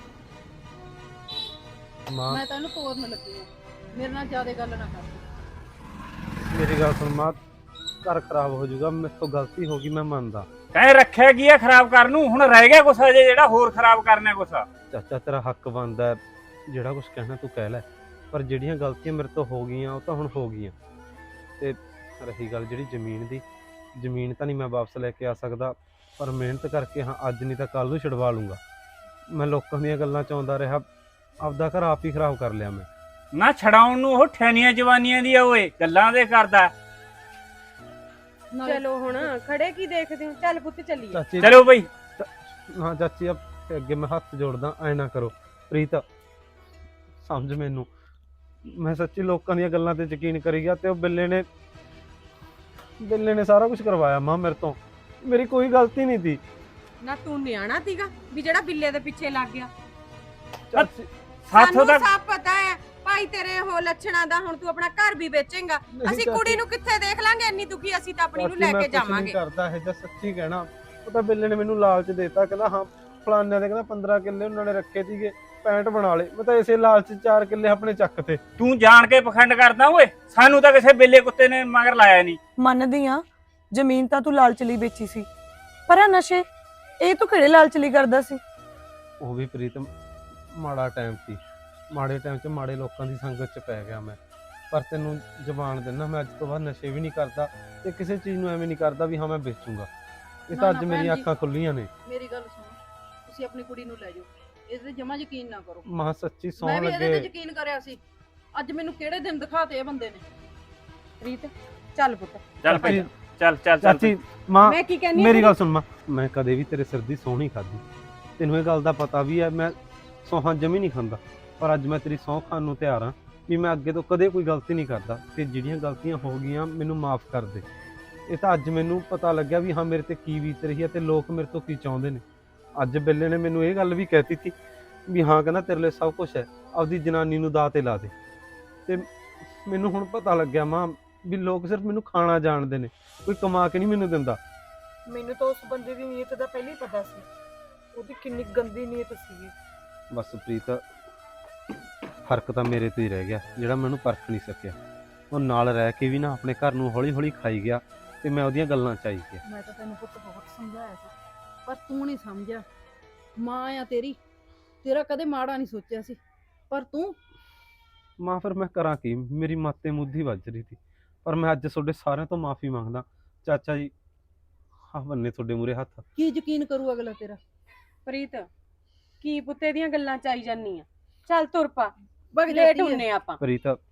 [SPEAKER 4] ਮਾਂ
[SPEAKER 1] ਮੈਂ ਤਾਂ ਇਹਨੂੰ ਤੋਰਨ ਲੱਗੀ ਆ, ਮੇਰੇ ਨਾਲ ਜ਼ਿਆਦਾ ਗੱਲ ਨਾ ਕਰ।
[SPEAKER 4] ਮੇਰੀ ਗੱਲ ਸੁਣ ਮਾਂ, ਘਰ ਖਰਾਬ ਹੋ ਜਾਊਗਾ। ਮੇਰੇ ਤੋਂ ਗਲਤੀ ਹੋ ਗਈ, ਮੈਂ ਮੰਨਦਾ।
[SPEAKER 5] ਤੈਂ ਰੱਖਿਆ ਕੀ ਆ ਖਰਾਬ ਕਰਨ ਨੂੰ? ਹੁਣ ਰਹਿ ਗਿਆ ਕੁਛ ਹਜੇ ਜਿਹੜਾ ਹੋਰ ਖਰਾਬ ਕਰਨਾ ਕੁਛ?
[SPEAKER 4] ਚਾਚਾ ਤੇਰਾ ਹੱਕ ਬਣਦਾ, ਜਿਹੜਾ ਕੁਝ ਕਹਿਣਾ ਤੂੰ ਕਹਿ ਲੈ, ਪਰ ਜਿਹੜੀਆਂ ਗਲਤੀਆਂ ਮੇਰੇ ਤੋਂ ਹੋ ਗਈਆਂ ਉਹ ਤਾਂ ਹੁਣ ਹੋ ਗਈਆਂ। ਤੇ ਰਹੀ ਗੱਲ ਜਿਹੜੀ ਜ਼ਮੀਨ ਦੀ, ਜ਼ਮੀਨ ਤਾਂ ਨਹੀਂ ਮੈਂ ਵਾਪਸ ਲੈ ਕੇ ਆ ਸਕਦਾ, ਪਰ ਮਿਹਨਤ ਕਰਕੇ ਹਾਂ ਅੱਜ ਨਹੀਂ ਤਾਂ ਕੱਲ ਨੂੰ ਛੁਡਵਾ ਲੂੰਗਾ। ਮੈਂ ਲੋਕਾਂ ਦੀਆਂ ਗੱਲਾਂ 'ਚ ਆਉਂਦਾ ਰਿਹਾ, ਆਪਦਾ ਘਰ ਆਪ ਹੀ ਖਰਾਬ ਕਰ ਲਿਆ ਮੈਂ।
[SPEAKER 5] ਨਾ ਛਡਾਉਣ ਨੂੰ ਉਹ ਠੈਨੀਆਂ ਜਵਾਨੀਆਂ ਦੀ ਆ ਓਏ, ਗੱਲਾਂ ਦੇ ਕਰਦਾ।
[SPEAKER 1] ਨਾਲੇ
[SPEAKER 6] ਚਲੋ ਹੁਣ ਖੜੇ ਕੀ ਦੇਖਦੇ ਹੋ? ਚੱਲ ਪੁੱਤ ਚੱਲੀਏ।
[SPEAKER 4] ਚਾਚੀ
[SPEAKER 5] ਚਲੋ ਬਈ।
[SPEAKER 4] ਹਾਂ ਚਾਚੀ, ਆ ਅੱਗੇ ਮੈਂ ਹੱਥ ਜੋੜਦਾ, ਐ ਨਾ ਕਰੋ। ਪ੍ਰੀਤ ਸਮਝ ਮੈਨੂੰ, ਮੈਂ ਸੱਚੀ ਲੋਕਾਂ ਦੀਆਂ ਗੱਲਾਂ ਤੇ ਯਕੀਨ ਕਰੀ ਗਿਆ ਤੇ ਉਹ ਬਿੱਲੇ ਨੇ ਬਿੱਲੇ ਨੇ ਸਾਰਾ ਕੁਝ ਕਰਵਾਇਆ ਮਾਂ ਮੇਰੇ ਤੋਂ। ਮੇਰੀ ਕੋਈ ਗਲਤੀ ਨਹੀਂ ਸੀ।
[SPEAKER 6] ਨਾ ਤੂੰ ਨਿਆਣਾ ਸੀਗਾ ਵੀ ਜਿਹੜਾ ਬਿੱਲੇ ਦੇ ਪਿੱਛੇ ਲੱਗ ਗਿਆ?
[SPEAKER 4] ਚਾਚੀ
[SPEAKER 5] ਸਾਥੋਂ
[SPEAKER 6] ਸਾਨੂੰ
[SPEAKER 5] ਦਾ
[SPEAKER 6] ਸਭ ਪਤਾ ਹੈ ਭਾਈ ਤੇਰੇ ਹੋ ਲੱਛਣਾਂ ਦਾ। ਹੁਣ ਤੂੰ ਆਪਣਾ ਘਰ ਵੀ ਵੇਚੇਂਗਾ,
[SPEAKER 4] ਨਹੀਂ
[SPEAKER 6] ਅਸੀਂ
[SPEAKER 4] ਚਾਚੀ,
[SPEAKER 6] ਕੁੜੀ ਨੂੰ ਕਿੱਥੇ ਦੇਖ ਲਾਂਗੇ? ਇੰਨੀ ਦੁਖੀ ਅਸੀਂ ਤਾਂ ਆਪਣੀ ਨੂੰ
[SPEAKER 4] ਚਾਚੀ
[SPEAKER 6] ਲੈ
[SPEAKER 4] ਮੈਂ
[SPEAKER 6] ਕੇ
[SPEAKER 4] ਕੁਛ ਨਹੀਂ
[SPEAKER 6] ਜਾਵਾਂਗੇ।
[SPEAKER 4] ਕਰਦਾ ਇਹ, ਜਾਂ ਸੱਚੀ ਕਹਿਣਾ। ਉਹ ਤਾਂ ਬਿੱਲੇ ਨੇ ਮੈਨੂੰ ਲਾਲਚ ਦੇਤਾ, ਕਹਿੰਦਾ ਹਾਂ ਫਲਾਨਿਆਂ ਦੇ ਕਹਿੰਦਾ ਪੰਦਰਾਂ ਕਿੱਲੇ ਉਹਨਾਂ ਨੇ ਰੱਖੇ ਸੀਗੇ, ਪੈਂਹਠ ਬਣਾ ਲਏ। ਮੈਂ ਤਾਂ ਇਸੇ ਲਾਲਚ ਚਾਰ ਕਿੱਲੇ ਆਪਣੇ ਚੱਕ ਤੇ।
[SPEAKER 5] ਤੂੰ ਜਾਣ ਕੇ ਪਖੰਡ ਕਰਦਾ ਓਏ। ਸਾਨੂੰ ਤਾਂ ਕਿਸੇ ਬੇਲੇ ਕੁੱਤੇ ਨੇ ਮਗਰ ਲਾਇਆ ਨਹੀਂ।
[SPEAKER 2] ਮੰਨਦੀ ਆ ਜ਼ਮੀਨ ਤਾਂ ਤੂੰ ਲਾਲਚ ਲਈ ਵੇਚੀ ਸੀ, ਪਰ ਆ ਨਸ਼ੇ ਇਹ ਤੂੰ ਕਿਹੜੇ ਲਾਲਚ ਲਈ ਕਰਦਾ ਸੀ?
[SPEAKER 4] ਉਹ ਵੀ ਪ੍ਰੀਤ ਮਾੜਾ ਟਾਈਮ ਸੀ, ਮਾੜੇ ਟਾਈਮ 'ਚ ਮਾੜੇ ਲੋਕਾਂ ਦੀ ਸੰਗਤ 'ਚ ਪੈ ਗਿਆ ਮੈਂ। ਪਰ ਤੈਨੂੰ ਜ਼ਬਾਨ ਦਿੰਦਾ, ਮੈਂ ਅੱਜ ਤੋਂ ਬਾਅਦ ਨਸ਼ੇ ਵੀ ਨਹੀਂ ਕਰਦਾ ਤੇ ਕਿਸੇ ਚੀਜ਼ ਨੂੰ ਐਵੇਂ ਨਹੀਂ ਕਰਦਾ ਵੀ ਹਾਂ ਮੈਂ ਵੇਚੂੰਗਾ। ਇਹ
[SPEAKER 1] ਨਾ,
[SPEAKER 4] ਤਾਂ
[SPEAKER 1] ਨਾ
[SPEAKER 4] ਅੱਜ
[SPEAKER 1] ਭੈਣ
[SPEAKER 4] ਮੇਰੀਆਂ
[SPEAKER 1] ਜੀ।
[SPEAKER 4] ਅੱਖਾਂ ਖੁੱਲੀਆਂ ਨੇ।
[SPEAKER 1] ਮੇਰੀ ਗੱਲ ਸੁਣੋ, ਤੁਸੀਂ ਆਪਣੀ ਕੁੜੀ ਨੂੰ ਲੈ ਜਾਓ, ਇਹਦੇ ਤੇ ਜਮਾ ਯਕੀਨ ਨਾ ਕਰੋ।
[SPEAKER 4] ਮਾਂ ਸੱਚੀ ਸੌਂ
[SPEAKER 1] ਮੈਂ ਵੀ ਇਹਦੇ ਤੇ
[SPEAKER 4] ਲੱਗੇ।
[SPEAKER 1] ਯਕੀਨ ਕਰਿਆ ਸੀ, ਅੱਜ ਮੈਨੂੰ ਕਿਹੜੇ ਦਿਨ ਦਿਖਾਤੇ ਇਹ ਬੰਦੇ ਨੇ।
[SPEAKER 6] ਰੀਤ ਚੱਲ ਪੁੱਤ।
[SPEAKER 5] ਚੱਲ ਭਾਈ, ਚੱਲ ਚੱਲ ਚੱਲ।
[SPEAKER 4] ਚਾਚੀ ਮਾਂ
[SPEAKER 6] ਮੈਂ ਕੀ ਕਹਿੰਨੀ
[SPEAKER 4] ਮੇਰੀ ਗੱਲ ਸੁਣ ਮਾਂ, ਮੈਂ ਕਦੇ ਵੀ ਤੇਰੇ ਸਿਰ ਦੀ ਸਹੁੰ ਨਹੀਂ ਖਾਧੀ, ਤੈਨੂੰ ਇਹ ਗੱਲ ਦਾ ਪਤਾ ਵੀ ਹੈ। ਮੈਂ ਸਹੁੰ ਜਮੀ ਨਹੀਂ ਖਾਂਦਾ, ਪਰ ਅੱਜ ਮੈਂ ਤੇਰੀ ਸਹੁੰ ਖਾਣ ਨੂੰ ਤਿਆਰ ਹਾਂ ਵੀ ਮੈਂ ਅੱਗੇ ਤੋਂ ਕਦੇ ਕੋਈ ਗਲਤੀ ਨਹੀਂ ਕਰਦਾ, ਤੇ ਜਿਹੜੀਆਂ ਗਲਤੀਆਂ ਹੋ ਗਈਆਂ ਮੈਨੂੰ ਮਾਫ ਕਰ ਦੇ। ਇਹ ਤਾਂ ਅੱਜ ਮੈਨੂੰ ਪਤਾ ਲੱਗਿਆ ਵੀ ਹਾਂ ਮੇਰੇ ਤੇ ਕੀ ਬੀਤ ਰਹੀ ਹੈ ਤੇ ਲੋਕ ਮੇਰੇ ਤੋਂ ਕੀ ਚਾਹੁੰਦੇ ਨੇ। ਅੱਜ ਬਿੱਲੇ ਨੇ ਮੈਨੂੰ ਇਹ ਗੱਲ ਵੀ ਕਹਿਤੀ ਸੀ ਵੀ ਹਾਂ ਕਹਿੰਦਾ ਤੇਰੇ ਲਈ ਸਭ ਕੁਝ ਹੈ, ਆਪਦੀ ਜਨਾਨੀ ਨੂੰ ਦਾਅ ਤੇ ਲਾ ਦੇ। ਤੇ ਮੈਨੂੰ ਹੁਣ ਪਤਾ ਲੱਗਿਆ ਮਾਂ ਵੀ ਲੋਕ ਸਿਰਫ ਮੈਨੂੰ ਖਾਣਾ ਜਾਣਦੇ ਨੇ, ਕੋਈ ਕਮਾ ਕੇ ਨਹੀਂ ਮੈਨੂੰ ਦਿੰਦਾ।
[SPEAKER 2] ਮੈਨੂੰ ਤਾਂ ਉਸ ਬੰਦੇ ਦੀ ਨੀਅਤ ਦਾ ਪਹਿਲਾਂ ਹੀ ਪਤਾ ਸੀ, ਉਹਦੀ ਕਿੰਨੀ ਗੰਦੀ ਨੀਅਤ ਸੀਗੀ।
[SPEAKER 4] ਬਸ ਪ੍ਰੀਤ, ਫਰਕ ਤਾਂ ਮੇਰੇ ਤੋਂ ਹੀ ਰਹਿ ਗਿਆ, ਜਿਹੜਾ ਮੈਨੂੰ ਪਰਖ ਨਹੀਂ ਸਕਿਆ। ਉਹ ਨਾਲ ਰਹਿ ਕੇ ਵੀ ਨਾ ਆਪਣੇ ਘਰ ਨੂੰ ਹੌਲੀ ਹੌਲੀ ਖਾਈ ਗਿਆ ਤੇ ਮੈਂ ਉਹਦੀਆਂ ਗੱਲਾਂ ਚ ਆਈ ਗਿਆ।
[SPEAKER 1] ਮੈਂ ਤਾਂ ਤੈਨੂੰ ਪੁੱਤ ਬਹੁਤ ਸਮਝਾਇਆ ਸੀ, ਪਰ ਤੂੰ ਨਹੀਂ ਸਮਝਿਆ। ਮਾਂ ਆ ਤੇਰੀ, ਤੇਰਾ ਕਦੇ ਮਾੜਾ ਨਹੀਂ ਸੋਚਿਆ ਸੀ, ਪਰ ਤੂੰ
[SPEAKER 4] ਮਾਂ ਫਿਰ ਮੈਂ ਕਰਾਂ ਕੀ? ਮੇਰੀ ਮਾਤੇ ਮੁੱਧੀ ਵੱਜ ਰਹੀ ਸੀ, ਪਰ ਮੈਂ ਅੱਜ ਤੁਹਾਡੇ ਸਾਰਿਆਂ ਤੋਂ ਮਾਫੀ ਮੰਗਦਾ। ਚਾਚਾ ਜੀ ਹਾਂ ਬੰਨੇ ਤੁਹਾਡੇ ਮੂਰੇ ਹੱਥ।
[SPEAKER 1] ਕੀ ਯਕੀਨ ਕਰੂ ਅਗਲਾ ਤੇਰਾ?
[SPEAKER 6] ਪ੍ਰੀਤ ਕੀ ਪੁੱਤੇ ਦੀਆਂ ਗੱਲਾਂ ਚ ਆਈ ਜਾਨੀ ਆ? ਚੱਲ ਤੁਰ ਪਾ,
[SPEAKER 1] ਵਗ
[SPEAKER 6] ਲੇਟ
[SPEAKER 1] ਜਾਤੀ ਹੈ।
[SPEAKER 6] ਹੁੰਨੇ ਆਪਾਂ।
[SPEAKER 4] ਪ੍ਰੀਤ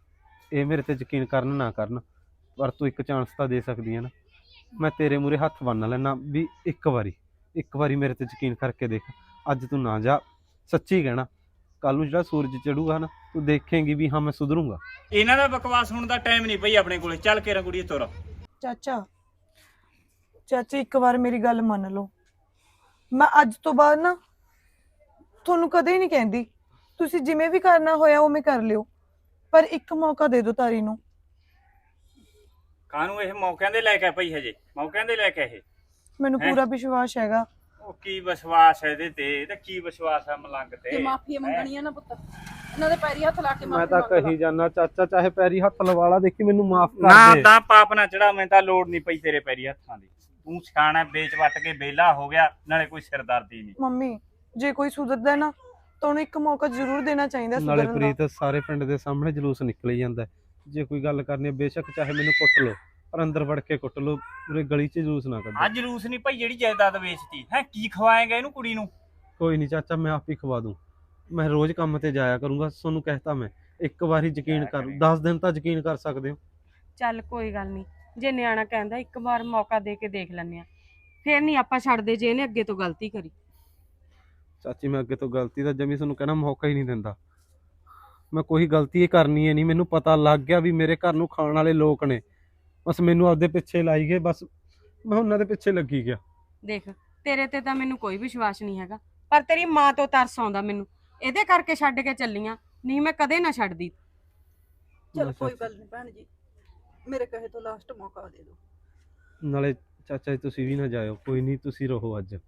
[SPEAKER 4] ਇਹ ਮੇਰੇ ਤੇ ਯਕੀਨ ਕਰਨ ਨਾ ਕਰਨ, ਪਰ ਤੂੰ ਇੱਕ ਚਾਂਸ ਤਾਂ ਦੇ ਸਕਦੀ ਹੈ ਨਾ। ਮੈਂ ਤੇਰੇ ਮੂਹਰੇ ਹੱਥ ਬੰਨ੍ਹ ਲੈਣਾ ਵੀ ਇੱਕ ਵਾਰੀ ਇੱਕ ਵਾਰੀ ਮੇਰੇ ਤੇ ਯਕੀਨ ਕਰਕੇ ਦੇਖ। ਅੱਜ ਤੂੰ ਨਾ ਜਾ, ਸੱਚੀ ਕਹਿਣਾ, ਕੱਲ ਨੂੰ ਜਿਹੜਾ ਸੂਰਜ ਚੜੂਗਾ ਨਾ ਤੂੰ ਦੇਖੇਂਗੀ ਵੀ ਹਾਂ ਮੈਂ ਸੁਧਰੂੰਗਾ।
[SPEAKER 5] ਇਹਨਾਂ ਦਾ ਬਕਵਾਸ ਸੁਣਨ ਦਾ ਟਾਈਮ ਨਹੀਂ ਪਈ ਆਪਣੇ ਕੋਲੇ। ਚੱਲ ਕੇ ਰੰਗੂੜੀ ਤੁਰ।
[SPEAKER 2] ਚਾਚਾ ਚਾਚੀ ਇੱਕ ਵਾਰ ਮੇਰੀ ਗੱਲ ਮੰਨ ਲਓ, ਮੈਂ ਅੱਜ ਤੋਂ ਬਾਅਦ ਨਾ ਤੁਹਾਨੂੰ ਕਦੇ ਨਹੀਂ ਕਹਿੰਦੀ, ਤੁਸੀਂ ਜਿਵੇਂ ਵੀ ਕਰਨਾ ਹੋਇਆ ਉਵੇਂ ਕਰ ਲਿਓ, ਪਰ ਇੱਕ ਮੌਕਾ ਦੇ ਦਿਓ ਤਾਰੀ ਨੂੰ।
[SPEAKER 5] ਕਾਹਨੂੰ ਇਹ ਮੌਕਿਆਂ ਦੇ ਲੈ ਕੇ ਪਈ ਹਜੇ? ਮੌਕਿਆਂ ਦੇ ਲੈ ਕੇ ਇਹ
[SPEAKER 2] ਮੈਨੂੰ
[SPEAKER 5] ਹੈਂ?
[SPEAKER 2] ਪੂਰਾ ਵਿਸ਼ਵਾਸ ਹੈਗਾ।
[SPEAKER 5] ਉਹ ਕੀ ਵਿਸ਼ਵਾਸ ਹੈ ਇਹਦੇ ਤੇ? ਤੇ ਕੀ ਵਿਸ਼ਵਾਸ ਹੈ ਮਲੰਗ ਤੇ?
[SPEAKER 1] ਜੇ ਮਾਫੀ ਮੰਗਣੀ ਆ ਨਾ ਪੁੱਤ, ਇਹਨਾਂ ਦੇ ਪੈਰੀ ਹੱਥ ਲਾ ਕੇ
[SPEAKER 4] ਮੈਂ
[SPEAKER 1] ਮਾਫੀ
[SPEAKER 4] ਤਾਂ
[SPEAKER 1] ਮੰਗ ਲਾ।
[SPEAKER 4] ਕਹੀ ਜਾਨਾ ਚਾਚਾ, ਚਾਹੇ ਪੈਰੀ ਹੱਥ ਲਵਾ ਲਾ, ਦੇਖੀ ਮੈਨੂੰ ਮਾਫ
[SPEAKER 5] ਨਾ
[SPEAKER 4] ਕਰ ਦੇ।
[SPEAKER 5] ਤਾਂ ਪਾਪ ਨਾ ਚੜਾ, ਮੈਂ ਤਾਂ ਲੋੜ ਨਹੀਂ ਪਈ ਤੇਰੇ ਪੈਰੀ ਹੱਥਾਂ ਦੀ। ਤੂੰ ਸਿਆਣਾ ਵੇਚ ਵੱਟ ਕੇ ਵਿਹਲਾ ਹੋ ਗਿਆ, ਨਾਲੇ ਕੋਈ ਸਿਰਦਰਦੀ ਨਹੀਂ।
[SPEAKER 2] ਮੰਮੀ ਜੇ ਕੋਈ ਸੁਧਰਦਾ ਹੈ ਨਾ ਤਾਂ ਉਹਨੂੰ ਇੱਕ ਮੌਕਾ ਜ਼ਰੂਰ ਦੇਣਾ ਚਾਹੀਦਾ
[SPEAKER 4] ਨਾਲੇ
[SPEAKER 2] ਸੁਧਰਨ ਦਾ।
[SPEAKER 4] ਪ੍ਰੀਤ ਸਾਰੇ ਪਿੰਡ ਦੇ ਸਾਹਮਣੇ ਜਲੂਸ ਨਿਕਲ ਹੀ ਜਾਂਦਾ ਹੈ। ਜੇ ਕੋਈ ਗੱਲ ਕਰਨੀ ਹੈ ਬੇਸ਼ੱਕ ਚਾਹੇ ਮੈਨੂੰ ਕੁੱਟ ਲਓ, ਪਰ ਅੰਦਰ ਵੜ ਕੇ ਕੁੱਟ ਲਓ, ਪੂਰੇ ਗਲੀ 'ਚ ਜਲੂਸ ਨਾ ਕੱਢੋ।
[SPEAKER 5] ਅੱਜ ਜਲੂਸ ਨਹੀਂ ਭਾਈ ਜਿਹੜੀ ਜਾਇਦਾਦ ਵੇਚਤੀ ਹੈ, ਕੀ ਖਵਾਏਗਾ ਇਹਨੂੰ ਕੁੜੀ ਨੂੰ?
[SPEAKER 4] ਕੋਈ ਨਹੀਂ ਚਾਚਾ, ਮੈਂ ਆਪ ਹੀ ਖਵਾ ਦੂੰ। ਮੈਂ ਰੋਜ਼ ਕੰਮ ਤੇ ਜਾਇਆ ਕਰੂੰਗਾ, ਤੁਹਾਨੂੰ ਕਹਿਤਾ ਮੈਂ। ਇੱਕ ਵਾਰੀ ਯਕੀਨ ਕਰ, ਦਸ ਦਿਨ ਤਾਂ ਯਕੀਨ ਕਰ ਸਕਦੇ ਹੋ।
[SPEAKER 6] ਚੱਲ ਕੋਈ ਗੱਲ ਨਹੀਂ, ਜੇ ਨਿਆਣਾ ਕਹਿੰਦਾ ਇੱਕ ਵਾਰ ਮੌਕਾ ਦੇ ਕੇ ਦੇਖ ਲੈਂਦੇ ਆ, ਫੇਰ ਨਹੀਂ ਆਪਾਂ ਛੱਡਦੇ ਜੇ ਇਹਨੇ ਅੱਗੇ ਤੋਂ ਗਲਤੀ ਕਰੀ।
[SPEAKER 4] ਚਾਚੀ ਮੈਂ ਅੱਗੇ ਤੋਂ ਗਲਤੀ ਦਾ ਜਮੀ ਤੁਹਾਨੂੰ ਕਹਿਣਾ ਮੌਕਾ ਹੀ ਨਹੀਂ ਦਿੰਦਾ। ਮੈਂ ਕੋਈ ਗਲਤੀ ਹੀ ਕਰਨੀ ਹੈ ਨਹੀਂ, ਮੈਨੂੰ ਪਤਾ ਲੱਗ ਗਿਆ ਵੀ ਮੇਰੇ ਘਰ ਨੂੰ ਖਾਣ ਵਾਲੇ ਲੋਕ ਨੇ, ਬਸ ਮੈਨੂੰ ਆਪਦੇ ਪਿੱਛੇ ਲਾਈ ਗਏ, ਬਸ ਮੈਂ ਉਹਨਾਂ ਦੇ ਪਿੱਛੇ ਲੱਗੀ ਗਿਆ।
[SPEAKER 6] ਦੇਖ ਤੇਰੇ ਤੇ ਤਾਂ ਮੈਨੂੰ ਕੋਈ ਵਿਸ਼ਵਾਸ ਨਹੀਂ ਹੈਗਾ, ਪਰ ਤੇਰੀ ਮਾਂ ਤੋਂ ਤਰਸ ਆਉਂਦਾ ਮੈਨੂੰ, ਇਹਦੇ ਕਰਕੇ ਛੱਡ ਕੇ ਚੱਲੀਆਂ, ਨਹੀਂ ਮੈਂ ਕਦੇ ਨਾ ਛੱਡਦੀ।
[SPEAKER 1] ਚਲ ਕੋਈ ਗੱਲ ਨਹੀਂ ਭੈਣ ਜੀ, ਮੇਰੇ ਕਹੇ ਤੋਂ ਲਾਸਟ ਮੌਕਾ ਦੇ ਦਿਓ।
[SPEAKER 4] ਨਾਲੇ ਚਾਚਾ ਜੀ ਤੁਸੀਂ ਵੀ ਨਾ ਜਾਇਓ, ਕੋਈ ਨਹੀਂ ਤੁਸੀਂ ਰਹੋ ਅੱਜ।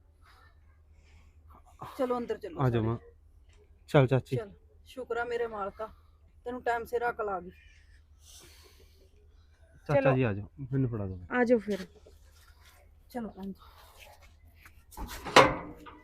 [SPEAKER 1] ਚਲੋ ਅੰਦਰ ਚਲੋ
[SPEAKER 4] ਆ ਜਾਓ
[SPEAKER 1] ਸਾਰੇ।
[SPEAKER 4] ਮਾਂ। ਚੱਲ ਚਾਚੀ।
[SPEAKER 1] ਚਲ ਸ਼ੁਕਰ ਆ ਮੇਰੇ ਮਾਲਕਾ, ਤੈਨੂੰ ਟਾਈਮ ਸਿਰ ਅਕਲ ਆ ਗਈ।
[SPEAKER 4] ਚਾਚਾ
[SPEAKER 6] ਚਲੋ।
[SPEAKER 4] ਜੀ ਆ ਜਾਓ, ਮੈਨੂੰ ਫੜਾ ਦਿਓ।
[SPEAKER 6] ਆ ਜਾਓ ਫਿਰ।
[SPEAKER 1] ਚਲੋ ਭੈਣ ਜੀ।